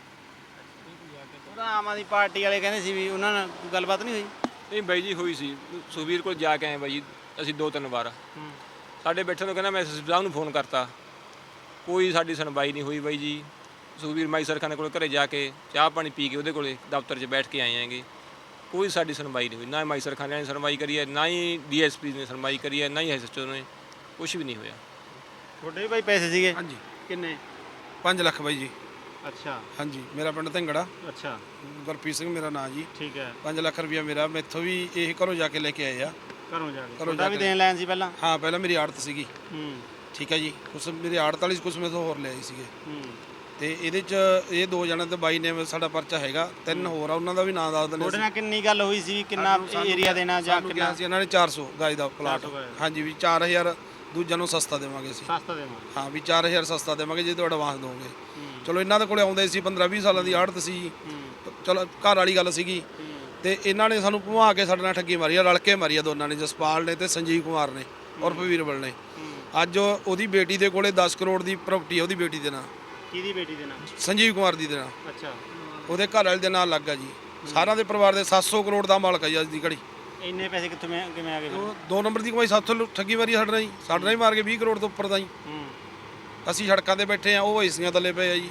S9: ਉਹਦਾ ਆਮ ਆਦਮੀ ਪਾਰਟੀ ਵਾਲੇ ਕਹਿੰਦੇ ਸੀ ਵੀ ਉਹਨਾਂ ਨਾਲ ਕੋਈ ਗੱਲਬਾਤ ਨਹੀਂ ਹੋਈ?
S3: ਨਹੀਂ ਬਾਈ ਜੀ ਹੋਈ ਸੀ, ਸੁਖਬੀਰ ਕੋਲ ਜਾ ਕੇ ਆਏ ਬਾਈ ਜੀ ਅਸੀਂ 2-3 ਵਾਰ। ਸਾਡੇ ਬੈਠੇ ਤੋਂ ਕਹਿੰਦਾ ਮੈਂ ਐਸਐਸਪੀ ਸਾਹਿਬ ਨੂੰ ਫੋਨ ਕਰਤਾ, ਕੋਈ ਸਾਡੀ ਸੁਣਵਾਈ ਨਹੀਂ ਹੋਈ ਬਾਈ ਜੀ। ਸੁਖਬੀਰ ਮੈਸਰਖਾਨ ਕੋਲ ਘਰੇ ਜਾ ਕੇ ਚਾਹ ਪਾਣੀ ਪੀ ਕੇ ਉਹਦੇ ਕੋਲੇ ਦਫ਼ਤਰ 'ਚ ਬੈਠ ਕੇ ਆਏ ਆਂਗੇ, ਕੋਈ ਸਾਡੀ ਸੁਣਵਾਈ ਨਹੀਂ ਹੋਈ। ਨਾ ਮੈਸਰਖਾਨ ਨੇ ਸੁਣਵਾਈ ਕਰੀ ਹੈ, ਨਾ ਹੀ ਡੀਐਸਪੀ ਨੇ ਸੁਣਵਾਈ ਕਰੀ ਹੈ, ਨਾ ਹੀ ਐਸਐਚਓ ਨੇ, ਕੁਝ ਵੀ ਨਹੀਂ ਹੋਇਆ।
S9: ਤੁਹਾਡੇ ਵੀ ਬਾਈ ਪੈਸੇ ਸੀਗੇ?
S2: ਹਾਂਜੀ
S9: ਕਿੰਨੇ?
S2: 5 ਲੱਖ ਬਾਈ ਜੀ।
S9: ਅੱਛਾ
S2: ਹਾਂਜੀ, ਮੇਰਾ ਪਿੰਡ ਧੰਗੜਾ,
S9: ਅੱਛਾ
S2: ਗੁਰਪ੍ਰੀਤ ਸਿੰਘ ਮੇਰਾ ਨਾਂ ਜੀ।
S9: ਠੀਕ ਹੈ।
S2: 5 ਲੱਖ ਰੁਪਇਆ ਮੇਰਾ, ਮੈਥੋਂ ਵੀ ਇਹ ਘਰੋਂ ਜਾ ਕੇ ਲੈ ਕੇ ਆਏ ਆ।
S9: ਘਰੋਂ ਜਾ ਕੇ
S2: ਘਰੋਂ
S9: ਤੁਹਾਡਾ
S2: ਜਾ
S9: ਵੀ
S2: ਕੇ।
S9: ਦੇਣ ਲੈਣ ਸੀ ਪਹਿਲਾਂ?
S2: ਹਾਂ, ਪਹਿਲਾਂ ਮੇਰੀ ਆੜਤ ਸੀਗੀ, ਠੀਕ ਹੈ ਜੀ। ਕੁਛ ਮੇਰੀ ਆੜਤ ਵਾਲੀ, ਕੁਛ ਮੇਰੇ ਤੋਂ ਹੋਰ ਲਿਆਏ ਸੀਗੇ। ਤੇ ਇਹਦੇ ਚ ਇਹ 2 ਜਣਾਂ ਤੇ ਬਾਈ ਨੇ ਸਾਡਾ ਪਰਚਾ ਹੈਗਾ, 3 ਹੋਰ ਆ, ਉਹਨਾਂ ਦਾ ਵੀ ਨਾਂ ਦੱਸ ਦਿੰਦੇ।
S9: ਤੁਹਾਡੇ ਨਾਲ ਕਿੰਨੀ ਗੱਲ ਹੋਈ ਸੀ, ਕਿੰਨਾ ਏਰੀਆ ਦੇਣਾ ਜਾਂ
S2: ਕਿੰਨਾ
S9: ਕਿੰਨਾ?
S2: ਸੀ ਇਹਨਾਂ ਨੇ 400 ਗਜ ਦਾ ਪਲਾਟ।
S9: 400 ਗਜ।
S2: ਹਾਂਜੀ, ਵੀ 4000 ਦੂਜਿਆਂ ਨੂੰ ਸਸਤਾ ਦੇਵਾਂਗੇ ਅਸੀਂ।
S9: ਸਸਤਾ ਦੇਵਾਂ?
S2: ਹਾਂ, ਵੀ 4000 ਸਸਤਾ ਦੇਵਾਂਗੇ ਜੇ ਤੁਹਾਡਾ ਐਡਵਾਂਸ ਦੋਗੇ। ਚਲੋ ਇਹਨਾਂ ਦੇ ਕੋਲੇ ਆਉਂਦੇ ਸੀ, 15-20 ਸਾਲਾਂ ਦੀ ਆੜਤ ਸੀ, ਚਲੋ ਘਰ ਵਾਲੀ ਗੱਲ ਸੀਗੀ। ਤੇ ਇਹਨਾਂ ਨੇ ਸਾਨੂੰ ਭੁਆ ਕੇ ਸਾਡੇ ਨਾਲ ਠੱਗੀ ਮਾਰੀ ਆ, ਰਲ ਕੇ ਮਾਰੀ ਆ ਦੋਨਾਂ ਨੇ, ਜਸਪਾਲ ਨੇ ਤੇ ਸੰਜੀਵ ਕੁਮਾਰ ਨੇ ਉਰਫ ਵੀਰਬਲ ਨੇ। ਅੱਜ ਉਹਦੀ ਬੇਟੀ ਦੇ ਕੋਲੇ 10 ਕਰੋੜ ਦੀ ਪ੍ਰਾਪਰਟੀ ਆ, ਉਹਦੀ ਬੇਟੀ ਦੇ ਨਾਂ।
S9: ਕਿਹਦੀ ਬੇਟੀ ਦੇ ਨਾਂ?
S2: ਸੰਜੀਵ ਕੁਮਾਰ ਦੀ ਦੇ ਨਾਂ।
S9: ਅੱਛਾ,
S2: ਉਹਦੇ ਘਰ ਵਾਲੇ ਦੇ ਨਾਂ ਲੱਗਾ ਜੀ। ਸਾਰਿਆਂ ਦੇ ਪਰਿਵਾਰ ਦੇ 700 ਕਰੋੜ ਦਾ ਮਾਲਕ ਆ ਜੀ ਅੱਜ ਦੀ ਘੜੀ।
S9: ਇੰਨੇ ਪੈਸੇ ਕਿੱਥੋਂ ਕਿਵੇਂ ਆ ਗਏ ਫਿਰ?
S2: 2 ਨੰਬਰ ਦੀ ਕਮਾਈ ਸਾਥੋਂ ਠੱਗੀ ਮਾਰੀ ਸਾਡੇ ਨਾਲ ਜੀ, ਸਾਡੇ ਨਾਲ ਹੀ ਮਾਰ ਕੇ 20 ਕਰੋੜ ਤੋਂ ਉੱਪਰ ਦਾ ਜੀ। ਅਸੀਂ ਸੜਕਾਂ ਤੇ ਬੈਠੇ ਆ, ਉਹ ਏਸੀਆਂ ਥੱਲੇ ਪਏ ਆ ਜੀ।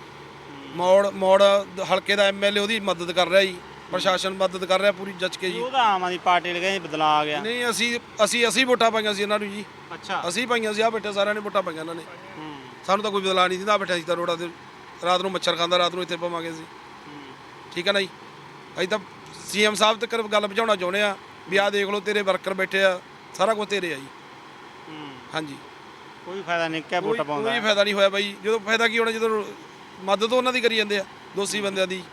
S2: ਮੋੜ ਹਲਕੇ ਦਾ ਐਮਐਲਏ ਉਹਦੀ ਮਦਦ ਕਰ ਰਿਹਾ ਜੀ, ਪ੍ਰਸ਼ਾਸਨ ਮਦਦ ਕਰ ਰਿਹਾ ਪੂਰੀ ਜੱਜ ਕੇ ਜੀ।
S9: ਉਹਦਾ ਆਮ ਆਦਮੀ ਪਾਰਟੀ ਵਾਲੇ ਕਹਿੰਦੇ ਬਦਲਾ ਆ ਗਿਆ।
S2: ਨਹੀਂ, ਅਸੀਂ ਵੋਟਾਂ ਪਾਈਆਂ ਸੀ ਇਹਨਾਂ ਨੂੰ ਜੀ।
S9: ਅੱਛਾ,
S2: ਅਸੀਂ ਪਾਈਆਂ ਸੀ, ਆ ਬੈਠੇ ਸਾਰਿਆਂ ਨੇ ਵੋਟਾਂ ਪਾਈਆਂ ਇਹਨਾਂ ਨੇ। ਸਾਨੂੰ ਤਾਂ ਕੋਈ ਬਦਲਾ ਨਹੀਂ ਦਿੰਦਾ, ਬੈਠਾ ਸੀ ਤਾਂ ਰੋਡਾਂ ਤੇ, ਰਾਤ ਨੂੰ ਮੱਛਰ ਖਾਂਦਾ, ਰਾਤ ਨੂੰ ਇੱਥੇ ਪਵਾਂਗੇ ਅਸੀਂ। ਠੀਕ ਹੈ ਨਾ ਜੀ। ਅਸੀਂ ਤਾਂ ਸੀਐਮ ਸਾਹਿਬ ਤੱਕ ਗੱਲ ਪਹੁੰਚਾਉਣਾ ਚਾਹੁੰਦੇ ਆ ਵੀ ਆਹ ਦੇਖ ਲਓ ਤੇਰੇ ਵਰਕਰ ਬੈਠੇ ਆ, ਸਾਰਾ ਕੁਝ ਤੇਰੇ ਆ ਜੀ। ਹਾਂਜੀ,
S9: ਕੋਈ ਫਾਇਦਾ ਨਹੀਂ ਕਿ ਵੋਟਾਂ ਪਾਉਂਦਾ?
S2: ਕੋਈ ਫਾਇਦਾ ਨਹੀਂ ਹੋਇਆ ਬਾਈ। ਜਦੋਂ ਫਾਇਦਾ ਕੀ ਹੋਣਾ, ਜਦੋਂ ਮਦਦ ਉਹਨਾਂ ਦੀ ਕਰੀ ਜਾਂਦੇ ਆ, ਦੋਸ਼ੀ ਬੰਦਿਆਂ ਦੀ।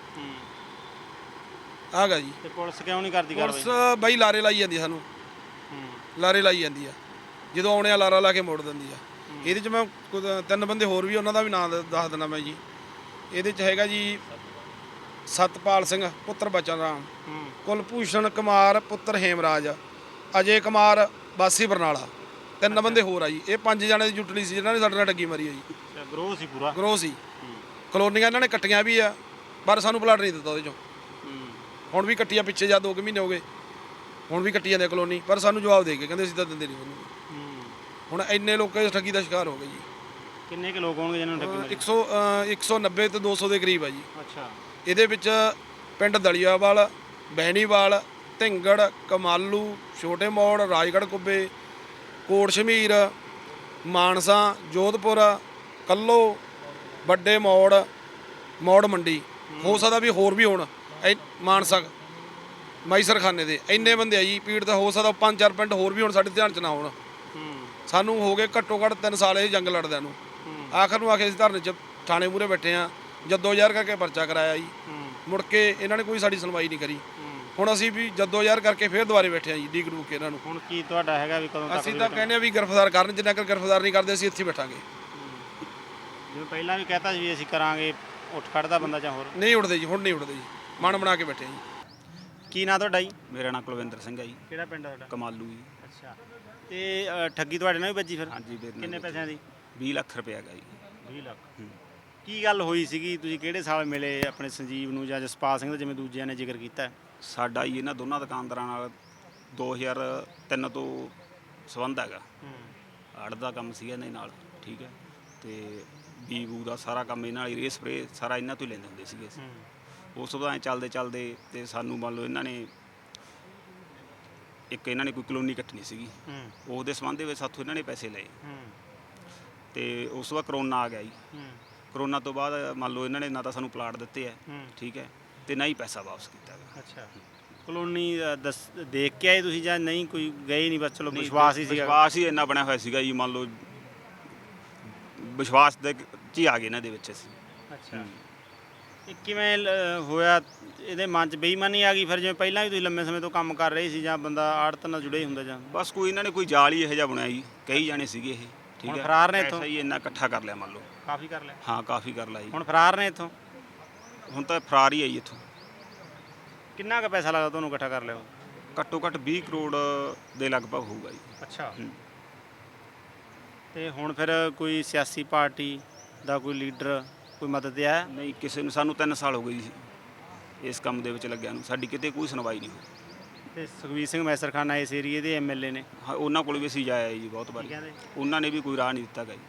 S2: ਆਗਾ ਜੀ।
S9: ਤੇ ਪੁਲਿਸ ਕਿਉਂ ਨਹੀਂ ਕਰਦੀ ਕਾਰਵਾਈ?
S2: ਪੁਲਿਸ ਬਾਈ ਲਾਰੇ ਲਾਈ ਜਾਂਦੀ ਆ ਸਾਨੂੰ, ਲਾਰੇ ਲਾਈ ਜਾਂਦੀ ਆ। ਜਦੋਂ ਆਉਣੇ ਆ ਲਾਰਾ ਲਾ ਕੇ ਮੋੜ ਦਿੰਦੀ ਆ। ਇਹਦੇ 'ਚ ਮੈਂ 3 ਬੰਦੇ ਹੋਰ ਵੀ, ਉਹਨਾਂ ਦਾ ਵੀ ਨਾਂ ਦੱਸ ਦਿੰਦਾ ਮੈਂ ਜੀ। ਇਹਦੇ 'ਚ ਹੈਗਾ ਜੀ ਸਤਪਾਲ ਸਿੰਘ ਪੁੱਤਰ ਬਚਨ ਰਾਮ, ਕੁਲਭੂਸ਼ਣ ਕੁਮਾਰ ਪੁੱਤਰ ਹੇਮਰਾਜ, ਅਜੇ ਕੁਮਾਰ ਵਾਸੀ ਬਰਨਾਲਾ, 3 ਬੰਦੇ ਹੋਰ ਆ ਜੀ। ਇਹ 5 ਜਣੇ ਦੀ ਜੁਟਲੀ ਸੀ ਜਿਹਨਾਂ ਨੇ ਸਾਡੇ ਨਾਲ ਠੱਗੀ ਮਾਰੀ ਆ ਜੀ।
S9: ਗਰੋਹ ਸੀ ਪੂਰਾ?
S2: ਗਰੋਹ ਸੀ। ਕਲੋਨੀਆਂ ਇਹਨਾਂ ਨੇ ਕੱਟੀਆਂ ਵੀ ਆ, ਪਰ ਸਾਨੂੰ ਪਲਾਟ ਨਹੀਂ ਦਿੱਤਾ ਉਹਦੇ 'ਚੋਂ। ਹੁਣ ਵੀ ਕੱਟੀਆਂ, ਪਿੱਛੇ ਜਾ 2 ਮਹੀਨੇ ਹੋ ਗਏ, ਹੁਣ ਵੀ ਕੱਟੀ ਜਾਂਦੇ ਕਲੋਨੀ, ਪਰ ਸਾਨੂੰ ਜਵਾਬ ਦੇ ਕੇ ਕਹਿੰਦੇ ਅਸੀਂ ਤਾਂ ਦਿੰਦੇ ਨਹੀਂ ਉਹਨੂੰ। ਹੁਣ ਇੰਨੇ ਲੋਕ ਇਸ ਠੱਗੀ ਦਾ ਸ਼ਿਕਾਰ ਹੋ ਗਏ ਜੀ।
S9: ਕਿੰਨੇ ਕੁ ਲੋਕ ਹੋਣਗੇ ਜਿਹਨਾਂ ਨੂੰ ਠੱਗੀ ਮਾਰੀ?
S2: 190 ਤੇ 200 ਦੇ ਕਰੀਬ ਆ ਜੀ।
S9: ਅੱਛਾ,
S2: ਇਹਦੇ ਵਿੱਚ ਪਿੰਡ ਦਲੀਆਵਾਲ, ਬਹਿਣੀਵਾਲ, ਢਿੰਗੜ, ਕਮਾਲੂ, ਛੋਟੇ ਮੋੜ, ਰਾਜਗੜ੍ਹ ਕੁੱਬੇ, ਕੋਟ ਸ਼ਮੀਰ, ਮਾਨਸਾ, ਜੋਧਪੁਰ, ਕੱਲੋ, ਵੱਡੇ ਮੋੜ ਮੰਡੀ, ਹੋ ਸਕਦਾ ਵੀ ਹੋਰ ਵੀ ਹੋਣ, ਮਾਨਸਾ ਮੈਸਰਖਾਨੇ ਦੇ ਇੰਨੇ ਬੰਦੇ ਆ ਜੀ ਪੀੜ ਦਾ। ਹੋ ਸਕਦਾ 5-4 ਪਿੰਡ ਹੋਰ ਵੀ ਹੁਣ ਸਾਡੇ ਧਿਆਨ 'ਚ ਨਾ ਹੋਣ। ਸਾਨੂੰ ਹੋ ਗਏ ਘੱਟੋ ਘੱਟ 3 ਸਾਲ ਇਹ ਜੰਗ ਲੜਦਿਆਂ ਨੂੰ। ਆਖਰ ਨੂੰ ਆਖੇ ਅਸੀਂ ਧਰਨੇ 'ਚ ਥਾਣੇ ਮੂਹਰੇ ਬੈਠੇ ਆ, ਜੱਦੋ-ਜਹਿਦ ਕਰਕੇ ਪਰਚਾ ਕਰਾਇਆ ਜੀ। ਮੁੜ ਕੇ ਇਹਨਾਂ ਨੇ ਕੋਈ ਸਾਡੀ ਸੁਣਵਾਈ ਨਹੀਂ ਕਰੀ। ਹੁਣ ਅਸੀਂ ਵੀ ਜੱਦੋ-ਜਹਿਦ ਕਰਕੇ ਫੇਰ ਦੁਬਾਰੇ ਬੈਠੇ ਆ ਜੀ, ਡੀਕ ਡੂਕ ਕੇ ਇਹਨਾਂ ਨੂੰ।
S9: ਹੁਣ ਕੀ ਤੁਹਾਡਾ ਹੈਗਾ ਵੀ ਕਦੋਂ ਤੱਕ?
S2: ਅਸੀਂ ਤਾਂ ਕਹਿੰਦੇ ਆ ਵੀ ਗ੍ਰਿਫਤਾਰ ਕਰਨ, ਜਿੰਨਾ ਚਿਰ ਗ੍ਰਿਫਤਾਰ ਨਹੀਂ ਕਰਦੇ ਅਸੀਂ ਇੱਥੇ ਬੈਠਾਂਗੇ।
S9: ਜਿਵੇਂ ਪਹਿਲਾਂ ਵੀ ਕਹਤਾ ਸੀ ਵੀ ਅਸੀਂ ਕਰਾਂਗੇ, ਉੱਠ ਖੜਦਾ ਬੰਦਾ ਜਾਂ ਹੋਰ?
S2: ਨਹੀਂ ਉੱਠਦੇ ਜੀ, ਹੁਣ ਨਹੀਂ ਉੱਠਦੇ ਜੀ, ਮਨ ਬਣਾ ਕੇ ਬੈਠੇ ਆ ਜੀ।
S9: ਕੀ ਨਾਂ ਤੁਹਾਡਾ ਜੀ?
S4: ਮੇਰਾ ਨਾਮ ਕੁਲਵਿੰਦਰ ਸਿੰਘ ਹੈ ਜੀ।
S9: ਕਿਹੜਾ ਪਿੰਡ ਤੁਹਾਡਾ?
S4: ਕਮਾਲੂ ਜੀ।
S9: ਅੱਛਾ, ਤੇ ਠੱਗੀ ਤੁਹਾਡੇ ਨਾਲ ਵੀ ਵੱਜੀ ਫਿਰ?
S4: ਹਾਂਜੀ, ਮੇਰੇ ਨਾਲ
S9: ਕਿੰਨੇ ਪੈਸਿਆਂ ਦੀ?
S4: 20 ਲੱਖ ਰੁਪਏ ਹੈਗਾ ਜੀ।
S9: 20 ਲੱਖ। ਕੀ ਗੱਲ ਹੋਈ ਸੀਗੀ, ਤੁਸੀਂ ਕਿਹੜੇ ਸਾਲ ਮਿਲੇ ਆਪਣੇ ਸੰਜੀਵ ਨੂੰ ਜਾਂ ਜਸਪਾਲ ਸਿੰਘ ਦਾ, ਜਿਵੇਂ ਦੂਜਿਆਂ ਨੇ ਜ਼ਿਕਰ ਕੀਤਾ?
S4: ਸਾਡਾ ਜੀ ਇਹਨਾਂ ਦੋਨਾਂ ਦੁਕਾਨਦਾਰਾਂ ਨਾਲ 2003 ਤੋਂ ਸੰਬੰਧ ਹੈਗਾ। ਆੜ ਦਾ ਕੰਮ ਸੀਗਾ ਇਹਨਾਂ ਨਾਲ, ਠੀਕ ਹੈ। ਤੇ ਬੀਬੂ ਦਾ ਸਾਰਾ ਕੰਮ ਇਹਨਾਂ ਨਾਲ, ਰੇ ਸਪਰੇ ਸਾਰਾ ਇਹਨਾਂ ਤੋਂ ਹੀ ਲੈਂਦੇ ਹੁੰਦੇ ਸੀਗੇ ਅਸੀਂ। ਉਸ ਤੋਂ ਬਾਅਦ ਚੱਲਦੇ ਤੇ ਸਾਨੂੰ ਮੰਨ ਲਓ ਇਹਨਾਂ ਨੇ ਇਹਨਾਂ ਨੇ ਕੋਈ ਕਲੋਨੀ ਕੱਟਣੀ ਸੀਗੀ, ਉਹਦੇ ਸੰਬੰਧ ਦੇ ਵਿੱਚ ਸਾਥੋਂ ਇਹਨਾਂ ਨੇ ਪੈਸੇ ਲਏ। ਤੇ ਉਸ ਤੋਂ ਬਾਅਦ ਕਰੋਨਾ ਆ ਗਿਆ ਜੀ। ਕਰੋਨਾ ਤੋਂ ਬਾਅਦ ਮੰਨ ਲਓ ਇਹਨਾਂ ਨੇ ਨਾ ਤਾਂ ਸਾਨੂੰ ਪਲਾਟ ਦਿੱਤੇ ਹੈ, ਠੀਕ ਹੈ, ਤੇ ਨਾ ਹੀ ਪੈਸਾ ਵਾਪਸ ਕੀਤਾ ਹੈਗਾ।
S9: ਅੱਛਾ, ਕਲੋਨੀ ਦੇਖ ਕੇ ਆਏ ਤੁਸੀਂ ਜਾਂ ਨਹੀਂ? ਕੋਈ ਗਏ ਨਹੀਂ, ਬਸ ਚਲੋ ਵਿਸ਼ਵਾਸ ਹੀ ਸੀਗਾ?
S4: ਵਿਸ਼ਵਾਸ ਹੀ ਇੰਨਾ ਬਣਿਆ ਹੋਇਆ ਸੀਗਾ ਜੀ, ਮੰਨ ਲਓ ਵਿਸ਼ਵਾਸ ਦੇ 'ਚ ਹੀ ਆ ਗਏ ਇਹਨਾਂ ਦੇ ਵਿੱਚ ਅਸੀਂ।
S9: ਅੱਛਾ, ਇਹ ਕਿਵੇਂ ਹੋਇਆ? ਇਹਦੇ ਮਨ 'ਚ ਬੇਈਮਾਨੀ ਆ ਗਈ ਫਿਰ? ਜਿਵੇਂ ਪਹਿਲਾਂ ਵੀ ਤੁਸੀਂ ਲੰਮੇ ਸਮੇਂ ਤੋਂ ਕੰਮ ਕਰ ਰਹੇ ਸੀ, ਜਾਂ ਬੰਦਾ ਆੜਤ ਨਾਲ ਜੁੜੇ ਹੁੰਦਾ ਜਾਂ?
S4: ਬਸ ਕੋਈ ਇਹਨਾਂ ਨੇ ਕੋਈ ਜਾਲ ਹੀ ਇਹੋ ਜਿਹਾ ਬਣਾਇਆ ਜੀ, ਕਈ ਜਾਣੇ ਸੀਗੇ ਇਹ, ਠੀਕ
S9: ਹੁਣ
S4: ਹੈ।
S9: ਫਰਾਰ ਨੇ ਇੱਥੋਂ?
S4: ਪੈਸਾ ਹੀ ਇੰਨਾ ਇਕੱਠਾ ਕਰ ਲਿਆ ਮੰਨ ਲਓ।
S9: ਕਾਫੀ ਕਰ ਲਿਆ।
S4: ਹਾਂ ਕਾਫੀ ਕਰ ਲਿਆ ਜੀ।
S9: ਹੁਣ ਫਰਾਰ ਨੇ ਇੱਥੋਂ।
S4: ਹੁਣ ਤਾਂ ਫਰਾਰ ਹੀ ਆ ਜੀ ਇੱਥੋਂ।
S9: ਕਿੰਨਾ ਕੁ ਪੈਸਾ ਲੱਗਦਾ ਤੁਹਾਨੂੰ ਇਕੱਠਾ ਕਰ ਲਿਆ?
S4: ਘੱਟੋ ਘੱਟ 20 ਕਰੋੜ ਦੇ ਲਗਭਗ ਹੋਊਗਾ ਜੀ।
S9: ਅੱਛਾ।
S4: ਹੂੰ।
S9: ਤੇ ਹੁਣ ਫਿਰ ਕੋਈ ਸਿਆਸੀ ਪਾਰਟੀ ਦਾ ਕੋਈ ਲੀਡਰ ਕੋਈ ਮਦਦ ਆਇਆ?
S4: ਨਹੀਂ ਕਿਸੇ ਨੂੰ, ਸਾਨੂੰ 3 ਸਾਲ ਹੋ ਗਏ ਜੀ ਇਸ ਕੰਮ ਦੇ ਵਿੱਚ ਲੱਗਿਆ ਨੂੰ, ਸਾਡੀ ਕਿਤੇ ਕੋਈ ਸੁਣਵਾਈ ਨਹੀਂ ਹੋਈ।
S9: ਤੇ ਸੁਖਬੀਰ ਸਿੰਘ ਮੈਸਰਖਾਨਾ ਇਸ ਏਰੀਏ ਦੇ ਐਮਐਲਏ ਨੇ,
S4: ਹਾਂ ਉਹਨਾਂ ਕੋਲ ਵੀ ਅਸੀਂ ਜਾਇਆ ਜੀ ਬਹੁਤ ਵਾਰੀ,
S9: ਕਹਿੰਦੇ
S4: ਉਹਨਾਂ ਨੇ ਵੀ ਕੋਈ ਰਾਹ ਨਹੀਂ ਦਿੱਤਾ ਗਾ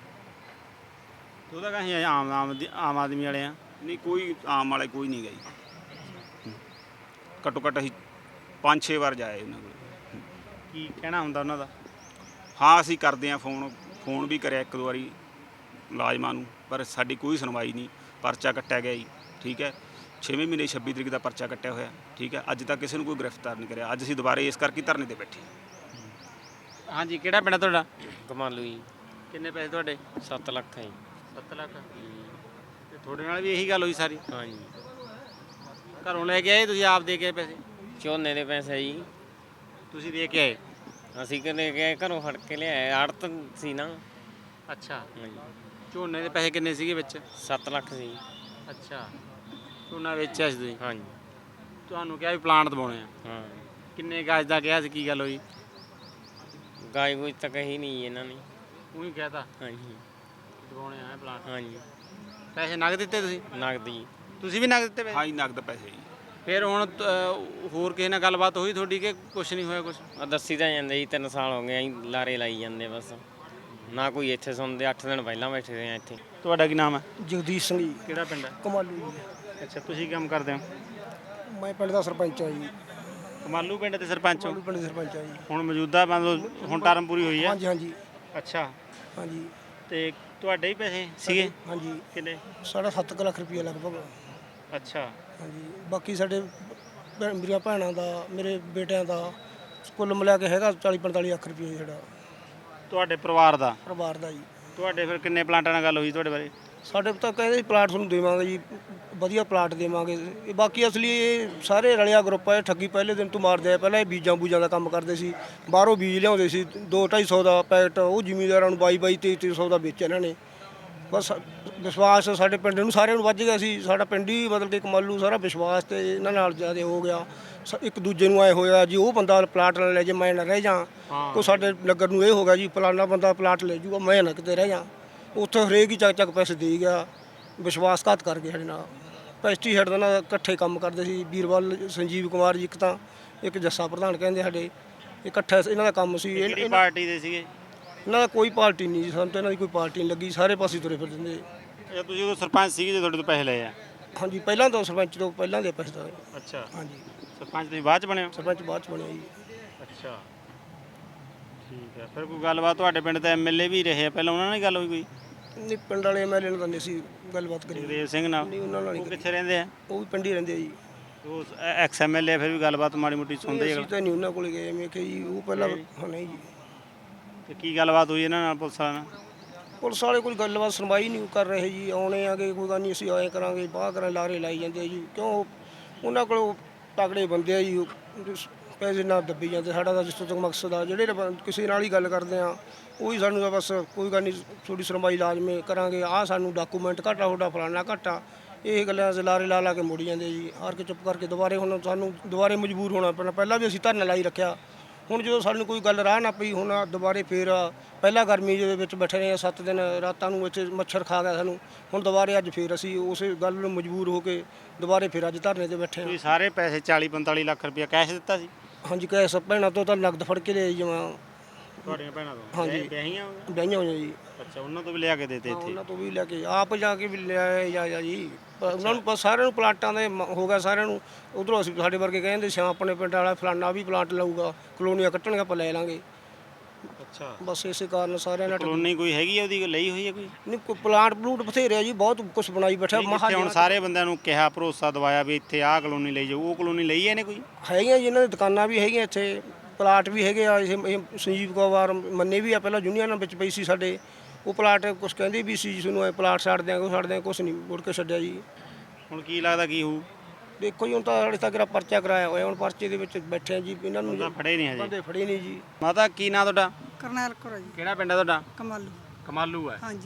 S4: ਜੀ।
S9: ਉਹਦਾ ਕਹੀਂ ਆਮ ਆਦਮੀ ਵਾਲੇ ਆ।
S4: ਨਹੀਂ ਕੋਈ ਆਮ ਵਾਲੇ ਕੋਈ ਨਹੀਂ ਗਾ ਜੀ। ਘੱਟੋ ਘੱਟ ਅਸੀਂ 5-6 ਵਾਰ ਜਾਏ ਉਹਨਾਂ ਕੋਲ।
S9: ਕੀ ਕਹਿਣਾ ਹੁੰਦਾ ਉਹਨਾਂ ਦਾ?
S4: ਹਾਂ ਅਸੀਂ ਕਰਦੇ ਹਾਂ ਫੋਨ ਵੀ ਕਰਿਆ 1-2 ਵਾਰੀ ਮੁਲਾਜ਼ਮਾਂ ਨੂੰ, ਪਰ ਸਾਡੀ ਕੋਈ ਸੁਣਵਾਈ ਨਹੀਂ। ਪਰਚਾ ਕੱਟਿਆ ਗਿਆ ਜੀ, ਠੀਕ ਹੈ। 6ਵੇਂ ਮਹੀਨੇ 26 ਤਰੀਕ ਦਾ ਪਰਚਾ ਕੱਟਿਆ ਹੋਇਆ, ਠੀਕ ਹੈ। ਅੱਜ ਤੱਕ ਕਿਸੇ ਨੂੰ ਕੋਈ ਗ੍ਰਿਫਤਾਰ ਨਹੀਂ ਕਰਿਆ। ਅੱਜ ਅਸੀਂ ਦੁਬਾਰੇ ਇਸ ਕਰਕੇ ਧਰਨੇ ਤੇ ਬੈਠੇ।
S9: ਹਾਂਜੀ, ਕਿਹੜਾ ਪਿੰਡ ਆ ਤੁਹਾਡਾ?
S1: ਕਮਾਲੂ ਜੀ।
S9: ਕਿੰਨੇ ਪੈਸੇ ਤੁਹਾਡੇ?
S1: 7 ਲੱਖ ਹੈ ਜੀ।
S9: 7 ਲੱਖ। ਤੇ ਤੁਹਾਡੇ ਨਾਲ ਵੀ ਇਹੀ ਗੱਲ ਹੋਈ ਸਾਰੀ?
S1: ਹਾਂਜੀ।
S9: ਘਰੋਂ ਲੈ ਕੇ ਆਏ ਤੁਸੀਂ, ਆਪ ਦੇ ਕੇ ਆਏ ਪੈਸੇ?
S1: ਝੋਨੇ ਦੇ ਪੈਸੇ ਜੀ
S9: ਤੁਸੀਂ ਦੇ ਕੇ ਆਏ?
S1: ਅਸੀਂ ਕਿਤੇ ਗਏ ਘਰੋਂ ਫੜ ਕੇ ਲਿਆਏ, ਆੜਤ ਸੀ ਨਾ।
S9: ਅੱਛਾ।
S1: ਹਾਂਜੀ।
S9: ਝੋਨੇ ਦੇ ਪੈਸੇ ਕਿੰਨੇ ਸੀਗੇ ਵਿੱਚ?
S1: 7 ਲੱਖ ਸੀ।
S9: ਅੱਛਾ, ਝੋਨਾ ਵੇਚਿਆ ਸੀ ਤੁਸੀਂ?
S1: ਹਾਂਜੀ।
S9: ਤੁਹਾਨੂੰ ਕਿਹਾ ਵੀ ਪਲਾਂਟ ਦਬਾਉਣੇ ਆ?
S1: ਹਾਂ।
S9: ਕਿੰਨੇ ਗਾਜ ਦਾ ਕਿਹਾ ਸੀ, ਕੀ ਗੱਲ ਹੋਈ?
S1: ਗਾਈ ਗੂਈ ਤਾਂ ਕਹੀ ਨਹੀਂ ਇਹਨਾਂ ਨੇ।
S9: ਉਹੀ ਕਹਿਤਾ
S1: ਹਾਂਜੀ।
S9: ਦਬਾਉਣੇ ਆ ਪਲਾਂਟ?
S1: ਹਾਂਜੀ।
S9: ਪੈਸੇ ਨਗਦ ਦਿੱਤੇ ਤੁਸੀਂ?
S1: ਨਗਦ ਜੀ।
S9: ਤੁਸੀਂ ਵੀ ਨਗਦ ਦਿੱਤੇ ਪੈਸੇ?
S4: ਹਾਂ ਜੀ ਨਗਦ ਪੈਸੇ ਜੀ।
S9: ਫਿਰ ਹੁਣ ਹੋਰ ਕਿਸੇ ਨਾਲ ਗੱਲਬਾਤ ਹੋਈ ਤੁਹਾਡੀ ਕਿ ਕੁਛ ਨਹੀਂ ਹੋਇਆ? ਕੁਛ
S1: ਆ ਦੱਸੀ ਤਾਂ ਜਾਂਦੇ ਜੀ 3 ਸਾਲ ਹੋ ਗਏ ਅਸੀਂ ਲਾਰੇ ਲਾਈ ਜਾਂਦੇ ਬਸ, ਨਾ ਕੋਈ ਇੱਥੇ ਸੁਣਦੇ। 8 ਦਿਨ ਪਹਿਲਾਂ ਬੈਠੇ ਰਹੇ ਆ ਇੱਥੇ।
S9: ਤੁਹਾਡਾ ਕੀ ਨਾਮ ਹੈ?
S5: ਜਗਦੀਸ਼ ਸਿੰਘ ਜੀ।
S9: ਕਿਹੜਾ ਪਿੰਡ ਹੈ?
S5: ਕਮਾਲੂ ਜੀ।
S9: ਅੱਛਾ, ਤੁਸੀਂ ਕੀ ਕੰਮ ਕਰਦੇ ਹੋ?
S5: ਮੈਂ ਪਿੰਡ ਦਾ ਸਰਪੰਚ ਹਾਂ ਜੀ।
S9: ਕਮਾਲੂ ਪਿੰਡ ਦੇ ਸਰਪੰਚ ਹੋ?
S5: ਕਮਾਲੂ ਪਿੰਡ ਦਾ ਸਰਪੰਚ ਹਾਂ ਜੀ।
S9: ਹੁਣ ਮੌਜੂਦਾ ਹੁਣ ਟਰਮ ਪੂਰੀ ਹੋਈ ਹੈ?
S5: ਹਾਂਜੀ ਹਾਂਜੀ
S9: ਅੱਛਾ।
S5: ਹਾਂਜੀ।
S9: ਤੇ ਤੁਹਾਡੇ ਹੀ ਪੈਸੇ ਸੀਗੇ?
S5: ਹਾਂਜੀ।
S9: ਕਿੰਨੇ?
S5: ਸਾਡਾ 7 ਲੱਖ ਰੁਪਈਆ ਲਗਭਗ।
S9: ਅੱਛਾ।
S5: ਹਾਂਜੀ। ਬਾਕੀ ਸਾਡੇ ਮੇਰੀਆਂ ਭੈਣਾਂ ਦਾ, ਮੇਰੇ ਬੇਟਿਆਂ ਦਾ ਕੁੱਲ ਮਿਲਾ ਕੇ ਹੈਗਾ 40-45 ਲੱਖ ਰੁਪਈਆ ਸਾਡਾ
S9: ਤੁਹਾਡੇ ਪਰਿਵਾਰ ਦਾ?
S5: ਪਰਿਵਾਰ ਦਾ ਜੀ।
S9: ਤੁਹਾਡੇ ਫਿਰ ਕਿੰਨੇ ਪਲਾਂਟਾਂ ਨਾਲ ਗੱਲ ਹੋਈ ਤੁਹਾਡੇ ਬਾਰੇ?
S5: ਸਾਡੇ ਤਾਂ ਕਹਿੰਦੇ ਸੀ ਪਲਾਟ ਤੁਹਾਨੂੰ ਦੇਵਾਂਗੇ ਜੀ, ਵਧੀਆ ਪਲਾਟ ਦੇਵਾਂਗੇ। ਇਹ ਬਾਕੀ ਅਸਲੀ ਇਹ ਸਾਰੇ ਰਲਿਆ ਗਰੁੱਪ ਹੈ, ਠੱਗੀ ਪਹਿਲੇ ਦਿਨ ਤੋਂ ਮਾਰਦੇ ਆ। ਪਹਿਲਾਂ ਇਹ ਬੀਜਾਂ ਬੂਜਾਂ ਦਾ ਕੰਮ ਕਰਦੇ ਸੀ, ਬਾਹਰੋਂ ਬੀਜ ਲਿਆਉਂਦੇ ਸੀ 2-250 ਦਾ ਪੈਕਟ, ਉਹ ਜ਼ਿਮੀਂਦਾਰਾਂ ਨੂੰ 22-2300 ਦਾ ਵੇਚਿਆ ਇਹਨਾਂ ਨੇ। ਬਸ ਵਿਸ਼ਵਾਸ ਸਾਡੇ ਪਿੰਡ ਨੂੰ ਸਾਰਿਆਂ ਨੂੰ ਵੱਜ ਗਿਆ ਸੀ। ਸਾਡਾ ਪਿੰਡ ਹੀ ਮਤਲਬ ਕਿ ਕਮਾਲੂ ਸਾਰਾ ਵਿਸ਼ਵਾਸ ਤੇ ਇਹਨਾਂ ਨਾਲ ਜ਼ਿਆਦਾ ਹੋ ਗਿਆ। ਇੱਕ ਦੂਜੇ ਨੂੰ ਆਏ ਹੋਇਆ ਜੀ, ਉਹ ਬੰਦਾ ਪਲਾਟ ਲੈ ਜੇ ਮੈਂ ਨਾ ਰਹਿ ਜਾ। ਕੋ ਸਾਡੇ ਨਗਰ ਨੂੰ ਇਹ ਹੋ ਗਿਆ ਜੀ ਫਲਾਣਾ ਬੰਦਾ ਪਲਾਟ ਲੈ ਜੂਗਾ, ਮੈਂ ਨਾ ਕਿਤੇ ਰਹਿ ਜਾ। ਉੱਥੇ ਹਰੇਕ ਹੀ ਚੱਕ ਪੈਸੇ ਦੇ ਗਿਆ, ਵਿਸ਼ਵਾਸਘਾਤ ਕਰ ਗਿਆ ਸਾਡੇ ਨਾਲ। ਪੈਸਟੀਸਾਈਡ ਦਾ ਨਾਲ ਇਕੱਠੇ ਕੰਮ ਕਰਦੇ ਸੀ। ਵੀਰਵਾਲ ਸੰਜੀਵ ਕੁਮਾਰ ਜੀ ਇੱਕ ਤਾਂ, ਇੱਕ ਜੱਸਾ ਪ੍ਰਧਾਨ ਕਹਿੰਦੇ ਸਾਡੇ, ਇਕੱਠਾ ਇਹਨਾਂ ਦਾ ਕੰਮ ਸੀ।
S9: ਕਿਹੜੀ ਪਾਰਟੀ ਦੇ ਸੀਗੇ?
S5: ਇਹਨਾਂ ਦਾ ਕੋਈ ਪਾਰਟੀ ਨਹੀਂ ਜੀ, ਸਾਨੂੰ ਤਾਂ ਇਹਨਾਂ ਦੀ ਕੋਈ ਪਾਰਟੀ ਨਹੀਂ ਲੱਗੀ। ਸਾਰੇ ਪਾਸੇ ਤੁਰੇ ਫਿਰਦੇ।
S9: ਇਹ ਤੁਸੀਂ ਉਦੋਂ ਸਰਪੰਚ ਸੀਗੇ ਜੇ ਤੁਹਾਡੇ ਤੋਂ ਪੈਸੇ ਲਏ ਆ?
S5: ਹਾਂਜੀ, ਪਹਿਲਾਂ ਤਾਂ ਸਰਪੰਚ ਤੋਂ ਪਹਿਲਾਂ ਦੇ ਪੈਸੇ ਦਾ।
S9: ਅੱਛਾ।
S5: ਹਾਂਜੀ।
S9: ਸਰਪੰਚ ਤੁਸੀਂ ਬਾਅਦ ਚ ਬਣੇ ਹੋ?
S5: ਸਰਪੰਚ ਬਾਅਦ ਚ ਬਣਿਆ ਜੀ।
S9: ਅੱਛਾ, ਠੀਕ ਹੈ। ਫਿਰ ਕੋਈ ਗੱਲਬਾਤ ਤੁਹਾਡੇ ਪਿੰਡ ਦਾ ਐਮਐਲਏ ਵੀ ਰਹੇ ਆ ਪਹਿਲਾਂ, ਉਹਨਾਂ ਨਾਲ ਹੀ ਗੱਲ ਹੋਈ ਕੋਈ?
S5: ਨਹੀਂ, ਪਿੰਡ ਵਾਲੇ ਐਮਐਲਏ ਨਾਲ ਤਾਂ ਨਹੀਂ ਸੀ ਗੱਲਬਾਤ ਕਰੀ।
S9: ਜਗਦੇਵ ਸਿੰਘ ਨਾਲ?
S5: ਨਹੀਂ, ਉਹਨਾਂ ਨਾਲ
S9: ਉਹ
S5: ਨਹੀਂ।
S9: ਕਿੱਥੇ ਰਹਿੰਦੇ ਆ?
S5: ਉਹ ਵੀ ਪਿੰਡ ਹੀ ਰਹਿੰਦੇ ਆ ਜੀ।
S9: ਉਹ ਐਕਸ ਐਮਐਲਏ ਫਿਰ ਵੀ ਗੱਲਬਾਤ ਮਾੜੀ ਮੋਟੀ ਸੁਣਦੇ
S5: ਅਸੀਂ ਤਾਂ ਨਹੀਂ ਉਹਨਾਂ ਕੋਲ ਗਏ। ਮੈਂ ਕਿਹਾ ਜੀ ਉਹ ਪਹਿਲਾਂ ਹਾਂ ਨਹੀਂ ਜੀ।
S9: ਤੇ ਕੀ ਗੱਲਬਾਤ ਹੋਈ ਇਹਨਾਂ ਨਾਲ ਪੁਲਿਸ ਵਾਲਿਆਂ ਨਾਲ?
S5: ਪੁਲਿਸ ਵਾਲੇ ਕੋਈ ਗੱਲਬਾਤ ਸੁਣਵਾਈ ਨਹੀਂ ਕਰ ਰਹੇ ਜੀ। ਆਉਣੇ ਆਗੇ ਕੋਈ ਗੱਲ ਨਹੀਂ, ਅਸੀਂ ਆਏ ਕਰਾਂਗੇ, ਬਾਹਰ ਕਰਾਂ, ਲਾਰੇ ਲਾਈ ਜਾਂਦੇ ਜੀ। ਕਿਉਂ ਉਹਨਾਂ ਕੋਲ ਤਗੜੇ ਬੰਦੇ ਆ ਜੀ, ਉਹ ਪੈਸੇ ਨਾਲ ਦੱਬੀ ਜਾਂਦੇ। ਸਾਡਾ ਤਾਂ ਜਿਸ ਤੋਂ ਮਕਸਦ ਆ, ਜਿਹੜੇ ਕਿਸੇ ਨਾਲ ਹੀ ਗੱਲ ਕਰਦੇ ਆ ਉਹੀ ਸਾਨੂੰ ਤਾਂ ਬਸ ਕੋਈ ਗੱਲ ਨਹੀਂ, ਥੋੜੀ ਸੁਣਵਾਈ ਲਾਜ਼ਮੀ ਕਰਾਂਗੇ, ਆਹ ਸਾਨੂੰ ਡਾਕੂਮੈਂਟ ਘਾਟਾ, ਤੁਹਾਡਾ ਫਲਾਣਾ ਘਾਟਾ, ਇਹ ਗੱਲਾਂ ਲਾਰੇ ਲਾ ਕੇ ਮੁੜ ਜਾਂਦੇ ਜੀ। ਹਾਰ ਕੇ ਚੁੱਪ ਕਰਕੇ ਦੁਬਾਰੇ ਹੁਣ ਸਾਨੂੰ ਦੁਬਾਰੇ ਮਜਬੂਰ ਹੋਣਾ ਪੈਣਾ। ਪਹਿਲਾਂ ਵੀ ਅਸੀਂ ਧਰਨਾ ਲਾਈ ਰੱਖਿਆ, ਹੁਣ ਜਦੋਂ ਸਾਨੂੰ ਕੋਈ ਗੱਲ ਰਾਹ ਨਾ ਪਈ, ਹੁਣ ਦੁਬਾਰੇ ਫੇਰ ਪਹਿਲਾਂ ਗਰਮੀ ਦੇ ਵਿੱਚ ਬੈਠੇ ਰਹੇ 7 ਦਿਨ, ਰਾਤਾਂ ਨੂੰ ਇੱਥੇ ਮੱਛਰ ਖਾ ਗਿਆ ਸਾਨੂੰ। ਹੁਣ ਦੁਬਾਰੇ ਅੱਜ ਫੇਰ ਅਸੀਂ ਉਸੇ ਗੱਲ ਨੂੰ ਮਜਬੂਰ ਹੋ ਕੇ ਦੁਬਾਰੇ ਫੇਰ ਅੱਜ ਧਰਨੇ ਤੇ ਬੈਠੇ ਹਾਂ।
S9: ਤੁਸੀਂ ਸਾਰੇ ਪੈਸੇ 40-45 ਲੱਖ ਰੁਪਇਆ ਕੈਸ਼ ਦਿੱਤਾ ਸੀ?
S5: ਹਾਂਜੀ, ਕੈਸ਼ ਭੈਣਾਂ ਤੋਂ ਤਾਂ ਨਗਦ ਫੜ ਕੇ ਲਿਆਈ ਜਮਾਂ।
S9: ਤੁਹਾਡੀਆਂ ਭੈਣਾਂ ਤੋਂ?
S5: ਹਾਂਜੀ।
S9: ਵਿਆਹੀਆਂ?
S5: ਵਿਆਹੀਆਂ ਹੋਈਆਂ ਜੀ।
S9: ਅੱਛਾ, ਉਹਨਾਂ ਤੋਂ ਵੀ ਲਿਆ ਕੇ ਦੇਤੇ ਇੱਥੇ?
S5: ਉਹਨਾਂ ਤੋਂ ਵੀ ਲੈ ਕੇ ਆਪ ਜਾ ਕੇ ਵੀ ਲਿਆਏ ਜਾ ਜੀ। ਉਹਨਾਂ ਨੂੰ ਸਾਰਿਆਂ ਨੂੰ ਪਲਾਟਾਂ ਦੇ ਹੋ ਗਿਆ ਸਾਰਿਆਂ ਨੂੰ। ਉਧਰੋਂ ਅਸੀਂ ਸਾਡੇ ਵਰਗੇ ਕਹਿੰਦੇ ਸੀ ਆਪਣੇ ਪਿੰਡ ਵਾਲਾ ਫਲਾਨਾ ਵੀ ਪਲਾਟ ਲਊਗਾ, ਕਲੋਨੀਆਂ ਕੱਟਣਗੇ, ਆਪਾਂ ਲੈ ਲਾਂਗੇ।
S9: ਅੱਛਾ।
S5: ਬਸ ਇਸੇ ਕਾਰਨ ਸਾਰਿਆਂ ਨਾਲ
S9: ਕਲੋਨੀ ਕੋਈ ਹੈਗੀ ਆ ਉਹਦੀ, ਲਈ ਹੋਈ ਹੈ ਕੋਈ?
S5: ਨਹੀਂ, ਕੋਈ ਪਲਾਟ ਪਲੂਟ ਬਥੇਰੇ ਆ ਜੀ, ਬਹੁਤ ਕੁਝ ਬਣਾਈ ਬੈਠਾ।
S9: ਜਿੱਥੇ ਹੁਣ ਸਾਰੇ ਬੰਦਿਆਂ ਨੂੰ ਕਿਹਾ, ਭਰੋਸਾ ਦਵਾਇਆ ਵੀ ਇੱਥੇ ਆਹ ਕਲੋਨੀ ਲਈ ਜਾਓ, ਉਹ ਕਲੋਨੀ ਲਈ ਇਹਨੇ ਕੋਈ?
S5: ਹੈਗੀਆਂ ਜੀ, ਇਹਨਾਂ ਦੀ ਦੁਕਾਨਾਂ ਵੀ ਹੈਗੀਆਂ, ਇੱਥੇ ਪਲਾਟ ਵੀ ਹੈਗੇ ਆ। ਇਹ ਸੰਜੀਵ ਕੁਮਾਰ ਮੰਨੇ ਵੀ ਆ, ਪਹਿਲਾਂ ਯੂਨੀਅਨ ਵਿੱਚ ਪਈ ਸੀ ਸਾਡੇ। ਉਹ ਪਲਾਟ ਕੁਛ ਕਹਿੰਦੇ ਵੀ ਸੀ ਤੁਹਾਨੂੰ ਇਹ ਪਲਾਟ ਛੱਡ ਦਿਆਂਗੇ, ਉਹ ਛੱਡ ਦਿਆਂਗੇ, ਕੁਛ ਨਹੀਂ ਮੁੜ ਕੇ ਛੱਡਿਆ ਜੀ।
S9: ਹੁਣ ਕੀ ਲੱਗਦਾ ਕੀ ਹੋਊ?
S5: ਦੇਖੋ ਜੀ, ਹੁਣ ਤਾਂ ਹਾਲੇ ਤੱਕ ਪਰਚਾ ਕਰਾਇਆ ਹੋਇਆ, ਹੁਣ ਪਰਚੇ ਦੇ ਵਿੱਚ ਬੈਠੇ ਆ ਜੀ। ਇਹਨਾਂ ਨੂੰ
S9: ਉਹਦਾ ਫੜੇ ਨਹੀਂ ਹਜੇ?
S5: ਬੰਦੇ ਫੜੇ ਨਹੀਂ ਜੀ।
S9: ਮਾਤਾ ਕੀ ਨਾਂ ਤੁਹਾਡਾ?
S10: ਕਰਨੈਲ ਕੌਰ ਜੀ।
S9: ਕਿਹੜਾ ਪਿੰਡ ਹੈ ਤੁਹਾਡਾ?
S10: ਕਮਾਲੂ।
S9: ਕਮਾਲੂ ਹੈ।
S10: ਹਾਂਜੀ।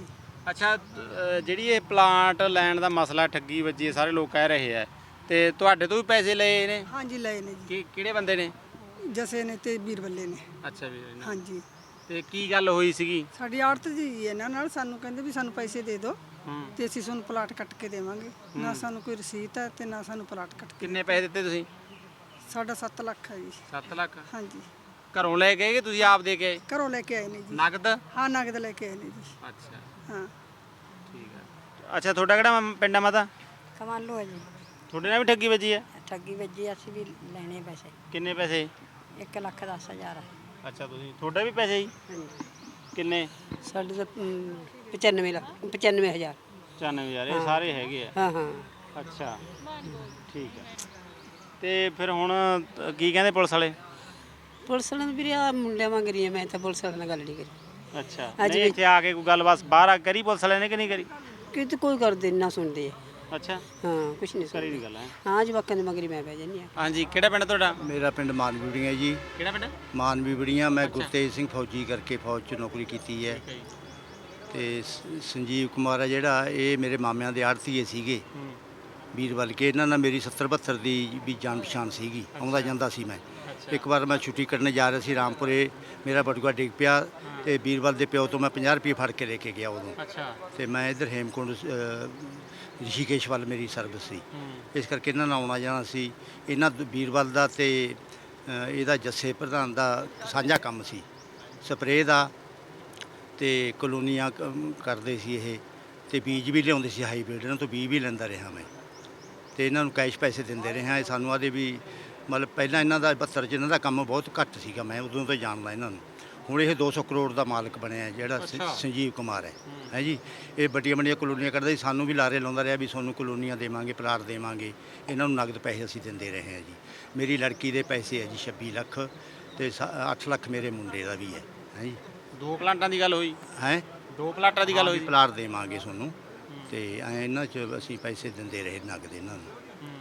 S9: ਅੱਛਾ ਜਿਹੜੀ ਇਹ ਪਲਾਂਟ ਲੈਣ ਦਾ ਮਸਲਾ ਠੱਗੀ ਵੱਜੀ ਹੈ, ਸਾਰੇ ਲੋਕ ਕਹਿ ਰਹੇ ਆ, ਤੇ ਤੁਹਾਡੇ ਤੋਂ ਵੀ ਪੈਸੇ ਲਏ ਨੇ?
S10: ਹਾਂਜੀ ਲਏ ਨੇ ਜੀ,
S9: ਕਿਹੜੇ ਬੰਦੇ ਨੇ?
S10: ਜਸੇ ਨੇ ਤੇ ਵੀਰਵੱਲੇ ਨੇ।
S9: ਅੱਛਾ ਵੀਰ ਨੇ।
S10: ਹਾਂਜੀ
S9: ਤੇ ਕੀ ਗੱਲ ਹੋਈ ਸੀਗੀ?
S10: ਸਾਡੀ ਆੜਤ ਜੀ ਇਹਨਾਂ ਨਾਲ ਸਾਨੂੰ ਕਹਿੰਦੇ ਵੀ ਸਾਨੂੰ ਪੈਸੇ ਦੇ ਦਿਓ ਤੇ ਅਸੀਂ ਤੁਹਾਨੂੰ ਪਲਾਟ ਕੱਟ ਕੇ ਦੇਵਾਂਗੇ। ਨਾ ਸਾਨੂੰ ਕੋਈ ਰਸੀਦ ਹੈ ਤੇ ਨਾ ਸਾਨੂੰ ਪਲਾਟ ਕੱਟ ਕੇ।
S9: ਕਿੰਨੇ ਪੈਸੇ ਦਿੱਤੇ ਤੁਸੀਂ?
S10: ਸਾਡਾ 7 ਲੱਖ ਹੈ ਜੀ।
S9: 7 ਲੱਖ?
S10: ਹਾਂਜੀ।
S9: ਘਰੋਂ ਲੈ ਕੇ ਆਏ ਕਿ ਤੁਸੀਂ ਆਪ ਦੇ ਕੇ ਆਏ?
S10: ਘਰੋਂ ਲੈ ਕੇ ਆਏ ਨੇ ਜੀ।
S9: ਨਗਦ?
S10: ਹਾਂ ਨਗਦ ਲੈ ਕੇ ਆਏ ਨੇ ਜੀ।
S9: ਅੱਛਾ
S10: ਹਾਂ
S9: ਠੀਕ ਹੈ। ਅੱਛਾ ਤੁਹਾਡਾ ਕਿਹੜਾ ਪਿੰਡ ਆ ਮਾਤਾ?
S11: ਕਮਾਲੂ ਹੈ ਜੀ।
S9: ਤੁਹਾਡੇ ਨਾਲ ਵੀ ਠੱਗੀ ਵੱਜੀ ਹੈ?
S11: ਠੱਗੀ ਵੱਜੀ, ਅਸੀਂ ਵੀ ਲੈਣੇ ਪੈਸੇ।
S9: ਕਿੰਨੇ ਪੈਸੇ?
S11: 1,10,000।
S9: ਅੱਛਾ ਤੁਸੀਂ ਤੁਹਾਡੇ ਵੀ ਪੈਸੇ ਜੀ?
S11: ਹਾਂਜੀ
S9: ਕਿੰਨੇ?
S11: ਸਾਡੇ ਤਾਂ 95,000।
S9: 94000 ਇਹ ਸਾਰੇ ਹੈਗੇ ਆ?
S11: ਹਾਂ ਹਾਂ।
S9: ਅੱਛਾ ਠੀਕ ਹੈ। ਤੇ ਫਿਰ ਹੁਣ ਕੀ ਕਹਿੰਦੇ ਪੁਲਿਸ ਵਾਲੇ?
S11: ਪੁਲਿਸ ਵਾਲਿਆਂ ਨੂੰ ਵੀਰੇ ਆ ਮੁੰਡਿਆਂ ਵਾਂਗ ਰਹੀ ਮੈਂ ਤਾਂ ਪੁਲਿਸ ਵਾਲਿਆਂ ਨਾਲ ਗੱਲ ਨਹੀਂ ਕਰੀ।
S9: ਅੱਛਾ ਨਹੀਂ ਇੱਥੇ ਆ ਕੇ ਕੋਈ ਗੱਲਬਾਤ ਬਾਹਰ ਆ ਕਰੀ ਪੁਲਿਸ ਵਾਲਿਆਂ ਨੇ ਕਿ ਨਹੀਂ ਕਰੀ?
S11: ਕਿਤੇ ਕੋਈ ਕਰਦੇ ਨਾ ਸੁਣਦੇ ਆ।
S9: ਅੱਛਾ
S11: ਹਾਂ ਕੁਛ ਨਹੀਂ
S9: ਕਰੀ ਨਹੀਂ ਗੱਲ ਹੈ।
S11: ਹਾਂ ਜਵਾਕਾਂ ਦੇ ਮਗਰੀ ਮੈਂ ਬਹਿ ਜਾਂਦੀ ਆ।
S9: ਹਾਂਜੀ ਕਿਹੜਾ ਪਿੰਡ ਤੁਹਾਡਾ?
S6: ਮੇਰਾ ਪਿੰਡ ਮਾਨਵੀੜੀਆਂ ਜੀ।
S9: ਕਿਹੜਾ ਪਿੰਡ?
S6: ਮਾਨਵੀੜੀਆਂ। ਮੈਂ ਗੁਰਤੇਜ ਸਿੰਘ ਫੌਜੀ ਕਰਕੇ ਫੌਜ 'ਚ ਨੌਕਰੀ ਕੀਤੀ ਹੈ। ਤੇ ਸੰਜੀਵ ਕੁਮਾਰ ਆ ਜਿਹੜਾ, ਇਹ ਮੇਰੇ ਮਾਮਿਆਂ ਦੇ ਆੜਤੀਏ ਸੀਗੇ ਵੀਰਵਲ ਕੇ। ਇਹਨਾਂ ਨਾਲ ਮੇਰੀ 70-72 ਦੀ ਵੀ ਜਾਣ ਪਛਾਣ ਸੀਗੀ, ਆਉਂਦਾ ਜਾਂਦਾ ਸੀ ਮੈਂ। ਇੱਕ ਵਾਰ ਮੈਂ ਛੁੱਟੀ ਕਰਨ ਜਾ ਰਿਹਾ ਸੀ ਰਾਮਪੁਰੇ, ਮੇਰਾ ਬਟੂਆ ਡਿੱਗ ਪਿਆ ਤੇ ਵੀਰਵਲ ਦੇ ਪਿਓ ਤੋਂ ਮੈਂ 50 ਰੁਪਏ ਫੜ ਕੇ ਲੈ ਕੇ ਗਿਆ ਉਦੋਂ।
S9: ਅੱਛਾ
S6: ਤੇ ਮੈਂ ਇੱਧਰ ਹੇਮਕੁੰਡ ਰਿਸ਼ੀਕੇਸ਼ ਵੱਲ ਮੇਰੀ ਸਰਵਿਸ ਸੀ, ਇਸ ਕਰਕੇ ਇਹਨਾਂ ਨਾਲ ਆਉਣਾ ਜਾਣਾ ਸੀ। ਇਹਨਾਂ ਵੀਰਵਲ ਦਾ ਤੇ ਇਹਦਾ ਜੱਸੇ ਪ੍ਰਧਾਨ ਦਾ ਸਾਂਝਾ ਕੰਮ ਸੀ, ਸਪਰੇਅ ਦਾ ਤੇ ਕਲੋਨੀਆਂ ਕਰਦੇ ਸੀ ਇਹ, ਤੇ ਬੀਜ ਵੀ ਲਿਆਉਂਦੇ ਸੀ ਹਾਈਬ੍ਰਿਡ, ਇਹਨਾਂ ਤੋਂ ਬੀਜ ਵੀ ਲੈਂਦਾ ਰਿਹਾ ਮੈਂ। ਤੇ ਇਹਨਾਂ ਨੂੰ ਕੈਸ਼ ਪੈਸੇ ਦਿੰਦੇ ਰਹੇ ਹਾਂ। ਇਹ ਸਾਨੂੰ ਆਦੇ ਵੀ ਮਤਲਬ ਪਹਿਲਾਂ ਇਹਨਾਂ ਦਾ 72 'ਚ ਇਹਨਾਂ ਦਾ ਕੰਮ ਬਹੁਤ ਘੱਟ ਸੀਗਾ, ਮੈਂ ਉਦੋਂ ਤੋਂ ਜਾਣਦਾ ਇਹਨਾਂ ਨੂੰ। ਹੁਣ ਇਹ 200 ਕਰੋੜ ਦਾ ਮਾਲਕ ਬਣਿਆ ਜਿਹੜਾ ਸੰਜੀਵ ਕੁਮਾਰ ਹੈ ਜੀ। ਇਹ ਵੱਡੀਆਂ ਵੱਡੀਆਂ ਕਲੋਨੀਆਂ ਕਰਦਾ ਸੀ, ਸਾਨੂੰ ਵੀ ਲਾਰੇ ਲਾਉਂਦਾ ਰਿਹਾ ਵੀ ਤੁਹਾਨੂੰ ਕਲੋਨੀਆਂ ਦੇਵਾਂਗੇ, ਪਲਾਟ ਦੇਵਾਂਗੇ। ਇਹਨਾਂ ਨੂੰ ਨਗਦ ਪੈਸੇ ਅਸੀਂ ਦਿੰਦੇ ਰਹੇ ਹਾਂ ਜੀ। ਮੇਰੀ ਲੜਕੀ ਦੇ ਪੈਸੇ ਹੈ ਜੀ 26 ਲੱਖ ਤੇ 8 ਲੱਖ ਮੇਰੇ ਮੁੰਡੇ ਦਾ ਵੀ ਹੈ ਜੀ।
S9: 2 ਪਲਾਂਟਾਂ ਦੀ ਗੱਲ ਹੋਈ
S6: ਹੈ?
S9: 2 ਪਲਾਟਾਂ ਦੀ ਗੱਲ ਹੋਈ?
S6: ਪਲਾਟ ਦੇਵਾਂਗੇ ਤੁਹਾਨੂੰ ਤੇ ਇਹਨਾਂ 'ਚ ਅਸੀਂ ਪੈਸੇ ਦਿੰਦੇ ਰਹੇ ਨਗਦ ਇਹਨਾਂ ਨੂੰ।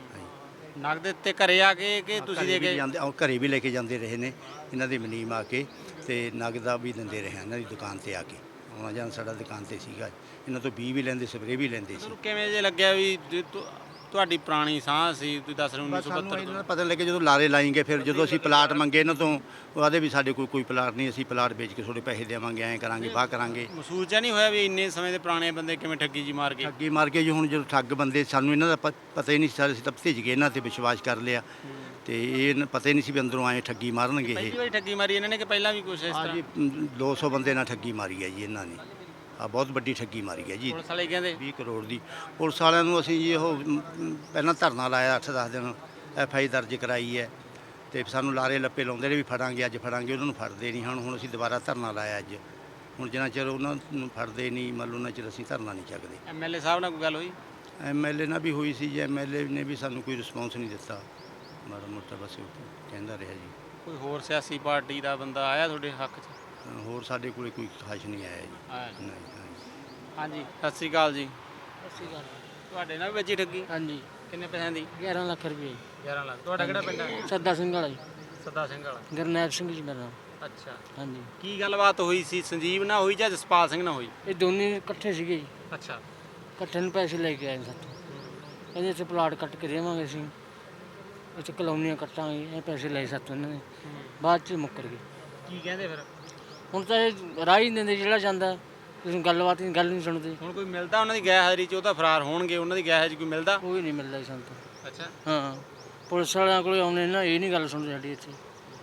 S9: ਨਗਦ ਤੇ ਘਰੇ ਆ ਕੇ ਕਿ ਤੁਸੀਂ ਦੇ ਕੇ
S6: ਜਾਂਦੇ? ਘਰੇ ਵੀ ਲੈ ਕੇ ਜਾਂਦੇ ਰਹੇ ਨੇ ਇਹਨਾਂ ਦੇ ਮਨੀਮ ਆ ਕੇ, ਤੇ ਨਗਦਾ ਵੀ ਦਿੰਦੇ ਰਹੇ ਇਹਨਾਂ ਦੀ ਦੁਕਾਨ ਤੇ ਆ ਕੇ। ਆਉਣਾ ਜਾਣਾ ਸਾਡਾ ਦੁਕਾਨ ਤੇ ਸੀਗਾ। ਇਹਨਾਂ ਤੋਂ ਬੀਜ ਵੀ ਲੈਂਦੇ, ਸਪਰੇਅ ਵੀ ਲੈਂਦੇ ਸੀ।
S9: ਕਿਵੇਂ ਜੇ ਲੱਗਿਆ ਵੀ ਤੁਹਾਡੀ ਪੁਰਾਣੀ ਸਾਂਝ ਸੀ? ਤੁਸੀਂ ਦੱਸ ਰਹੇ ਹੋ 1972
S6: ਇਹਨਾਂ ਦਾ ਪਤਾ ਲੱਗਿਆ ਜਦੋਂ ਲਾਰੇ ਲਾਏਂਗੇ। ਫਿਰ ਜਦੋਂ ਅਸੀਂ ਪਲਾਟ ਮੰਗੇ ਇਹਨਾਂ ਤੋਂ, ਉਹ ਆਦੇ ਵੀ ਸਾਡੇ ਕੋਲ ਕੋਈ ਪਲਾਟ ਨਹੀਂ, ਅਸੀਂ ਪਲਾਟ ਵੇਚ ਕੇ ਥੋੜੇ ਪੈਸੇ ਦੇਵਾਂਗੇ, ਐਂ ਕਰਾਂਗੇ, ਬਾਹ ਕਰਾਂਗੇ।
S9: ਮਹਿਸੂਸ ਜਿਹਾ ਨਹੀਂ ਹੋਇਆ ਵੀ ਇੰਨੇ ਸਮੇਂ ਦੇ ਪੁਰਾਣੇ ਬੰਦੇ ਕਿਵੇਂ ਠੱਗੀ ਜੀ ਮਾਰ ਗਏ?
S6: ਠੱਗੀ ਮਾਰ ਕੇ ਜੀ। ਹੁਣ ਜਦੋਂ ਠੱਗ ਬੰਦੇ, ਸਾਨੂੰ ਇਹਨਾਂ ਦਾ ਪਤਾ ਹੀ ਨਹੀਂ ਸੀ, ਅਸੀਂ ਤਾਂ ਭਿੱਜ ਗਏ, ਇਹਨਾਂ ਤੇ ਵਿਸ਼ਵਾਸ ਕਰ ਲਿਆ ਤੇ ਇਹ ਪਤਾ ਹੀ ਨਹੀਂ ਸੀ ਵੀ ਅੰਦਰੋਂ ਆਏ ਠੱਗੀ ਮਾਰਨਗੇ ਇਹ।
S9: ਪਹਿਲੀ ਵਾਰੀ ਠੱਗੀ ਮਾਰੀ ਇਹਨਾਂ ਨੇ ਕਿ ਪਹਿਲਾਂ ਵੀ ਕੁਛ ਇਸ ਤਰ੍ਹਾਂ?
S6: ਜੀ 200 ਬੰਦੇ ਨਾਲ ਠੱਗੀ ਮਾਰੀ ਹੈ ਜੀ ਇਹਨਾਂ ਨੇ। ਆ ਬਹੁਤ ਵੱਡੀ ਠੱਗੀ ਮਾਰੀ ਹੈ ਜੀ।
S9: ਪੁਲਿਸ ਵਾਲੇ ਕਹਿੰਦੇ
S6: 20 ਕਰੋੜ ਦੀ। ਪੁਲਿਸ ਵਾਲਿਆਂ ਨੂੰ ਅਸੀਂ ਜੀ ਉਹ ਪਹਿਲਾਂ ਧਰਨਾ ਲਾਇਆ 8-10 ਦਿਨ, FI ਦਰਜ ਕਰਾਈ ਹੈ ਤੇ ਸਾਨੂੰ ਲਾਰੇ ਲੱਪੇ ਲਾਉਂਦੇ ਨੇ ਵੀ ਫੜਾਂਗੇ, ਅੱਜ ਫੜਾਂਗੇ। ਉਹਨਾਂ ਨੂੰ ਫੜਦੇ ਨਹੀਂ। ਹੁਣ ਅਸੀਂ ਦੁਬਾਰਾ ਧਰਨਾ ਲਾਇਆ ਅੱਜ। ਹੁਣ ਜਿੰਨਾ ਚਿਰ ਉਹਨਾਂ ਨੂੰ ਫੜਦੇ ਨਹੀਂ, ਮੰਨ ਲਓ ਉਹਨਾਂ ਚਿਰ ਅਸੀਂ ਧਰਨਾ ਨਹੀਂ ਚੱਕਦੇ।
S9: MLA ਸਾਹਿਬ ਨਾਲ ਕੋਈ ਗੱਲ ਹੋਈ?
S6: MLA ਨਾਲ ਵੀ ਹੋਈ ਸੀ ਜੀ। MLA ਨੇ ਵੀ ਸਾਨੂੰ ਕੋਈ ਰਿਸਪੌਂਸ ਨਹੀਂ ਦਿੱਤਾ, ਮਾੜਾ ਮੋਟਾ ਬਸ ਕਹਿੰਦਾ ਰਿਹਾ ਜੀ।
S9: ਕੋਈ ਹੋਰ ਸਿਆਸੀ ਪਾਰਟੀ ਦਾ ਬੰਦਾ ਆਇਆ ਤੁਹਾਡੇ ਹੱਕ 'ਚ?
S6: ਹੋਰ ਸਾਡੇ ਕੋਲੇ ਕੋਈ ਖਾਸ ਨਹੀਂ ਆਇਆ ਜੀ। ਨਹੀਂ।
S9: ਹਾਂਜੀ ਸਤਿ ਸ਼੍ਰੀ ਅਕਾਲ ਜੀ।
S12: ਸਤਿ ਸ਼੍ਰੀ ਅਕਾਲ।
S9: ਤੁਹਾਡੇ ਨਾਲ ਵੀ ਵੱਜੀ ਠੱਗੀ?
S12: ਹਾਂਜੀ।
S9: ਕਿੰਨੇ ਪੈਸਿਆਂ ਦੀ?
S12: 11 ਲੱਖ ਰੁਪਏ।
S9: 11 ਲੱਖ। ਤੁਹਾਡਾ ਕਿਹੜਾ ਪਿੰਡ ਹੈ?
S12: ਸੱਦਾ ਸਿੰਘ ਵਾਲਾ ਜੀ।
S9: ਸੱਦਾ ਸਿੰਘ ਵਾਲਾ।
S12: ਗੁਰਨੈਬ ਸਿੰਘ ਜੀ ਮੇਰਾ ਨਾਮ।
S9: ਅੱਛਾ
S12: ਹਾਂਜੀ।
S9: ਕੀ ਗੱਲਬਾਤ ਹੋਈ ਸੀ? ਸੰਜੀਵ ਨਾਲ ਹੋਈ ਜਾਂ ਜਸਪਾਲ ਸਿੰਘ ਨਾਲ ਹੋਈ?
S12: ਇਹ ਦੋਨੇ ਇਕੱਠੇ ਸੀਗੇ ਜੀ।
S9: ਅੱਛਾ।
S12: ਇਕੱਠੇ ਨੂੰ ਪੈਸੇ ਲੈ ਕੇ ਆਏ ਸਾਥੋਂ। ਕਹਿੰਦੇ ਇੱਥੇ ਪਲਾਟ ਕੱਟ ਕੇ ਦੇਵਾਂਗੇ ਅਸੀਂ, ਇੱਥੇ ਕਲੋਨੀਆਂ ਕੱਟਾਂਗੇ, ਇਹ ਪੈਸੇ ਲਏ ਸਾਥੋਂ ਇਹਨਾਂ ਨੇ। ਬਾਅਦ 'ਚ ਮੁੱਕਰ ਗਏ।
S9: ਕੀ ਕਹਿੰਦੇ ਫਿਰ?
S12: ਹੁਣ ਤਾਂ ਇਹ ਰਾਹ ਹੀ ਨਹੀਂ ਦਿੰਦੇ, ਜਿਹੜਾ ਜਾਂਦਾ ਤੁਸੀਂ ਗੱਲਬਾਤ ਨਹੀਂ, ਗੱਲ ਨਹੀਂ ਸੁਣਦੇ।
S9: ਹੁਣ ਕੋਈ ਮਿਲਦਾ ਉਹਨਾਂ ਦੀ ਗੈਰ ਹਾਜ਼ਰੀ 'ਚ? ਉਹ ਤਾਂ ਫਰਾਰ ਹੋਣਗੇ, ਉਹਨਾਂ ਦੀ ਗੈਰ ਹਾਜ਼ਰੀ ਕੋਈ ਮਿਲਦਾ?
S12: ਕੋਈ ਨਹੀਂ ਮਿਲਦਾ ਜੀ ਸਾਨੂੰ ਤਾਂ।
S9: ਅੱਛਾ।
S12: ਹਾਂ ਪੁਲਿਸ ਵਾਲਿਆਂ ਕੋਲ ਆਉਣੇ ਨਾ, ਇਹ ਨਹੀਂ ਗੱਲ ਸੁਣਦੇ ਸਾਡੀ ਇੱਥੇ।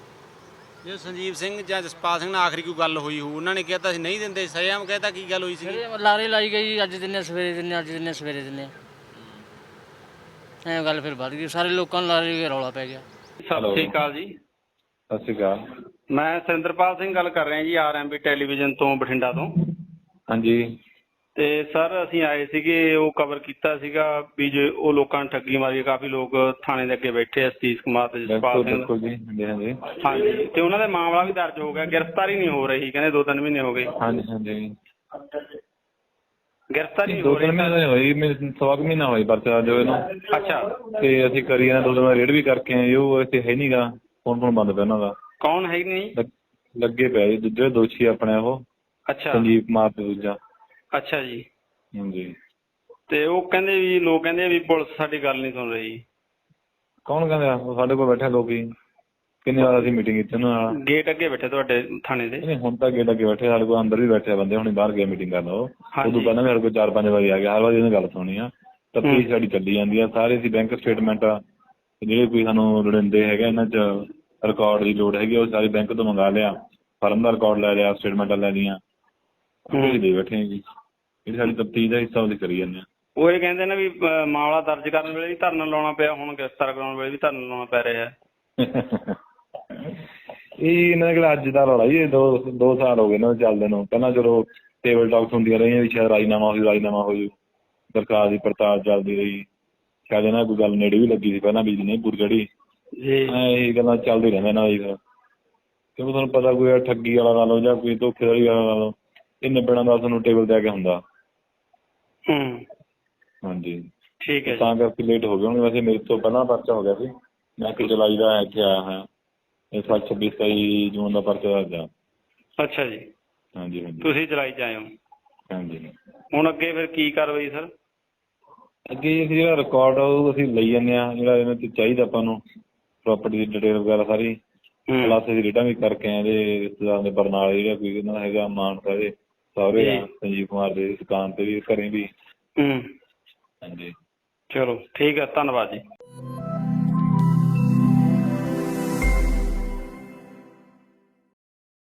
S9: ਜੇ ਸੰਜੀਵ ਸਿੰਘ ਜਾਂ ਜਸਪਾਲ ਸਿੰਘ ਨਾਲ ਆਖਰੀ ਕੋਈ ਗੱਲ ਹੋਈ ਹੋ, ਉਹਨਾਂ ਨੇ ਕਿਹਾ ਤਾਂ ਅਸੀਂ ਨਹੀਂ ਦਿੰਦੇ, ਸਰਿਆਮ ਕਹਿਤਾ ਕੀ ਗੱਲ ਹੋਈ ਸੀ?
S12: ਲਾਰੇ ਲਾਈ ਗਈ, ਅੱਜ ਦਿਨੇ ਸਵੇਰੇ ਦਿਨੇ, ਅੱਜ ਦਿਨੇ ਸਵੇਰੇ ਦਿਨੇ, ਐਂ ਗੱਲ ਫਿਰ ਵੱਧ ਗਈ। ਸਾਰੇ ਲੋਕਾਂ ਨੂੰ ਲਾਰੇ ਰੌਲਾ ਪੈ ਗਿਆ।
S8: ਸਤਿ ਸ਼੍ਰੀ ਅਕਾਲ ਜੀ।
S7: ਸਤਿ ਸ਼੍ਰੀ ਅਕਾਲ।
S8: ਮੈਂ ਸਰਿੰਦਰਪਾਲ ਸਿੰਘ ਗੱਲ ਕਰ ਰਿਹਾ ਜੀ, RMB ਟੈਲੀਵਿਜ਼ਨ ਤੋਂ, ਬਠਿੰਡਾ ਤੋਂ।
S7: ਹਾਂਜੀ।
S8: ਤੇ ਸਰ ਅਸੀਂ ਆਏ ਸੀਗੇ, ਉਹ ਕਵਰ ਕੀਤਾ ਸੀਗਾ ਵੀ ਜੇ ਉਹ ਲੋਕਾਂ ਨੇ ਠੱਗੀ ਮਾਰੀ। ਕਾਫੀ ਲੋਕ ਥਾਣੇ ਦੇ ਅੱਗੇ ਬੈਠੇ ਆ, ਸਤੀਸ਼ ਕੁਮਾਰ ਤੇ ਜਸਪਾਲ ਸਿੰਘ।
S7: ਬਿਲਕੁਲ ਜੀ। ਹਾਂਜੀ
S8: ਹਾਂਜੀ। ਤੇ ਉਹਨਾਂ ਦਾ ਮਾਮਲਾ ਵੀ ਦਰਜ ਹੋ ਗਿਆ, ਗ੍ਰਿਫਤਾਰੀ ਨਹੀਂ ਹੋ ਰਹੀ, ਕਹਿੰਦੇ 2-3 ਮਹੀਨੇ ਹੋ ਗਏ।
S7: ਹਾਂਜੀ ਹਾਂਜੀ।
S8: ਗ੍ਰਿਫਤਾਰੀ ਹੋ ਰਹੀ?
S7: 2-3 ਮਹੀਨੇ ਹੋਈ, ਸਵਾ ਕੁ ਮਹੀਨਾ ਹੋਈ ਪਰਚਾ ਜੋ ਇਹਨੂੰ।
S8: ਅੱਛਾ।
S7: ਤੇ ਅਸੀਂ ਕਰੀ ਜਾਂਦੇ, 2 ਦਿਨ ਰੇਡ ਵੀ ਕਰਕੇ ਆਏ। ਉਹ ਇੱਥੇ ਹੈ ਨਹੀਂਗਾ, ਫੋਨ ਬੰਦ ਪਿਆ ਉਹਨਾਂ ਦਾ।
S8: ਕੌਣ ਹੈ ਨਹੀਂ?
S7: ਲੱਗੇ ਪਿਆ ਜੀ ਦੂਜੇ ਦੋਸ਼ੀ ਆਪਣੇ ਉਹ।
S8: ਅੱਛਾ।
S7: ਸੰਜੀਵ ਕੁਮਾਰ ਤੇ ਦੂਜਾ।
S8: ਅੱਛਾ ਜੀ।
S7: ਹਾਂਜੀ।
S8: ਤੇ ਉਹ ਕਹਿੰਦੇ ਵੀ ਲੋਕ ਕਹਿੰਦੇ ਵੀ ਪੁਲਿਸ ਸਾਡੀ ਗੱਲ ਨਹੀਂ ਸੁਣ ਰਹੀ।
S7: ਕੌਣ ਕਹਿੰਦਾ? ਉਹ ਸਾਡੇ ਕੋਲ ਬੈਠੇ ਲੋਕੀ, ਕਿੰਨੀ ਵਾਰ ਅਸੀਂ ਮੀਟਿੰਗ ਕੀਤੀ ਉਹਨਾਂ ਨਾਲ।
S8: ਗੇਟ ਅੱਗੇ ਬੈਠੇ ਤੁਹਾਡੇ ਥਾਣੇ ਦੇ?
S7: ਨਹੀਂ, ਹੁਣ ਤਾਂ ਗੇਟ ਅੱਗੇ ਬੈਠੇ, ਸਾਡੇ ਕੋਲ ਅੰਦਰ ਵੀ ਬੈਠੇ ਬੰਦੇ, ਹੁਣੇ ਬਾਹਰ ਗਏ ਮੀਟਿੰਗ ਕਰਨ। ਉਹ
S8: ਹਾਂਜੀ।
S7: ਉਦੋਂ ਪਹਿਲਾਂ ਵੀ ਸਾਡੇ ਕੋਲ 4-5 ਵਾਰੀ ਆ ਗਿਆ, ਹਰ ਵਾਰੀ ਇਹਨੇ ਗੱਲ ਸੁਣੀ ਆ। ਤਫਤੀਸ਼ ਸਾਡੀ ਚੱਲੀ ਜਾਂਦੀ ਆ, ਸਾਰੇ ਅਸੀਂ ਬੈਂਕ ਸਟੇਟਮੈਂਟ ਜਿਹੜੇ ਕੋਈ ਸਾਨੂੰ ਲੋੜੀਂਦੇ ਹੈਗੇ ਇਹਨਾਂ 'ਚ ਰਿਕਾਰਡ ਦੀ ਲੋੜ ਹੈਗੀ, ਉਹ ਸਾਰੇ ਬੈਂਕ ਤੋਂ ਮੰਗਾ ਲਿਆ, ਫਰਮ ਦਾ ਰਿਕਾਰਡ ਲੈ ਲਿਆ, ਸਟੇਟਮੈਂਟਾਂ ਲੈ ਲਈਆਂ, ਅਸੀਂ ਦੇ ਬੈਠੇ ਹਾਂ ਜੀ। ਜਿਹੜੀ ਸਾਡੀ ਤਫਤੀਸ਼ ਦਾ ਹਿੱਸਾ ਉਹਦੀ ਕਰੀ ਜਾਂਦੇ ਹਾਂ।
S8: ਉਹ ਇਹ ਕਹਿੰਦੇ ਨੇ ਵੀ ਮਾਮਲਾ ਦਰਜ ਕਰਨ ਵੇਲੇ ਵੀ ਧਰਨਾ ਲਾਉਣਾ ਪਿਆ, ਹੁਣ ਗ੍ਰਿਫਤਾਰ ਕਰਾਉਣ ਵੇਲੇ ਵੀ ਧਰਨਾ ਲਾਉਣਾ ਪੈ ਰਿਹਾ।
S7: ਇਹ ਇਹਨਾਂ ਦਾ ਕਿਹੜਾ ਅੱਜ ਦਾ ਰੌਲਾ ਜੀ, ਇਹ 2 ਸਾਲ ਹੋ ਗਏ ਇਹਨਾਂ ਨੂੰ ਚੱਲਦੇ ਨੂੰ। ਪਹਿਲਾਂ ਚਲੋ ਟੇਬਲ ਟਾਕਸ ਹੁੰਦੀਆਂ ਰਹੀਆਂ ਵੀ ਸ਼ਾਇਦ ਰਾਜੀਨਾਮਾ ਹੋ ਜੂ, ਸਰਕਾਰ ਦੀ ਪੜਤਾਲ ਚੱਲਦੀ ਰਹੀ, ਸ਼ਾਇਦ ਇਹਨਾਂ ਕੋਈ ਗੱਲ ਨੇੜੇ ਵੀ ਲੱਗੀ ਸੀ ਪਹਿਲਾਂ, ਬਿਜਲੀ ਨਹੀਂ ਪੂਰੀ ਚੜੀ, ਇਹ ਗੱਲਾਂ ਚੱਲਦੀ ਰਹਿੰਦਾ ਇਹਨਾਂ ਦੀ। ਫਿਰ ਕਿਉਂਕਿ ਤੁਹਾਨੂੰ ਪਤਾ ਕੋਈ ਠੱਗੀ ਵਾਲਾ ਲਾ ਲਓ ਜਾਂ ਕੋਈ ਧੋਖੇਧੜੀ ਵਾਲਾ ਲਾ ਲਓ, ਇਹ ਨਿਬੜਨ ਦਾ ਤੁਹਾਨੂੰ ਟੇਬਲ 'ਤੇ ਆ ਕੇ ਹੁੰਦਾ। ਹਾਂਜੀ,
S8: ਠੀਕ ਹੈ।
S7: ਤਾਂ ਕਰਕੇ ਲੇਟ ਹੋ ਗਏ ਹੋਣਗੇ। ਵੈਸੇ ਮੇਰੇ ਤੋਂ ਪਹਿਲਾਂ ਪਰਚਾ ਹੋ ਗਿਆ ਸੀ, ਮੈਂ ਕਿ ਜੁਲਾਈ ਦਾ ਇੱਥੇ ਆਇਆ ਹੋਇਆ, ਇਸ ਵਾਰ 26-27 ਜੂਨ ਦਾ ਪਰਚਾ ਦਰਜ ਆ।
S8: ਅੱਛਾ ਜੀ।
S7: ਹਾਂਜੀ ਹਾਂਜੀ।
S8: ਤੁਸੀਂ ਜੁਲਾਈ 'ਚ ਆਏ ਹੋ?
S7: ਹਾਂਜੀ।
S8: ਹੁਣ ਅੱਗੇ ਫਿਰ ਕੀ ਕਾਰਵਾਈ ਸਰ?
S7: ਅੱਗੇ ਅਸੀਂ ਜਿਹੜਾ ਰਿਕਾਰਡ ਉਹ ਅਸੀਂ ਲਈ ਜਾਂਦੇ ਹਾਂ, ਜਿਹੜਾ ਇਹਨਾਂ 'ਚ ਚਾਹੀਦਾ ਆਪਾਂ ਨੂੰ ਪ੍ਰੋਪਰਟੀ ਦੀ ਡਿਟੇਲ ਵਗੈਰਾ ਸਾਰੀ, ਪਲੱਸ ਅਸੀਂ ਰੇਟਾਂ ਵੀ ਕਰਕੇ ਆਏ ਇਹਦੇ ਰਿਸ਼ਤੇਦਾਰਾਂ ਦੇ ਬਰਨਾਲੇ, ਜਿਹੜਾ ਕੋਈ ਇਹਨਾਂ ਦਾ ਹੈਗਾ ਮਾਨਸਾ ਦੇ ਸਹੁਰੇ ਆ, ਸੰਜੀਵ ਕੁਮਾਰ ਦੇ ਦੁਕਾਨ 'ਤੇ ਵੀ, ਘਰੇ ਵੀ।
S8: ਹਾਂਜੀ। ਚਲੋ ਠੀਕ ਹੈ, ਧੰਨਵਾਦ ਜੀ।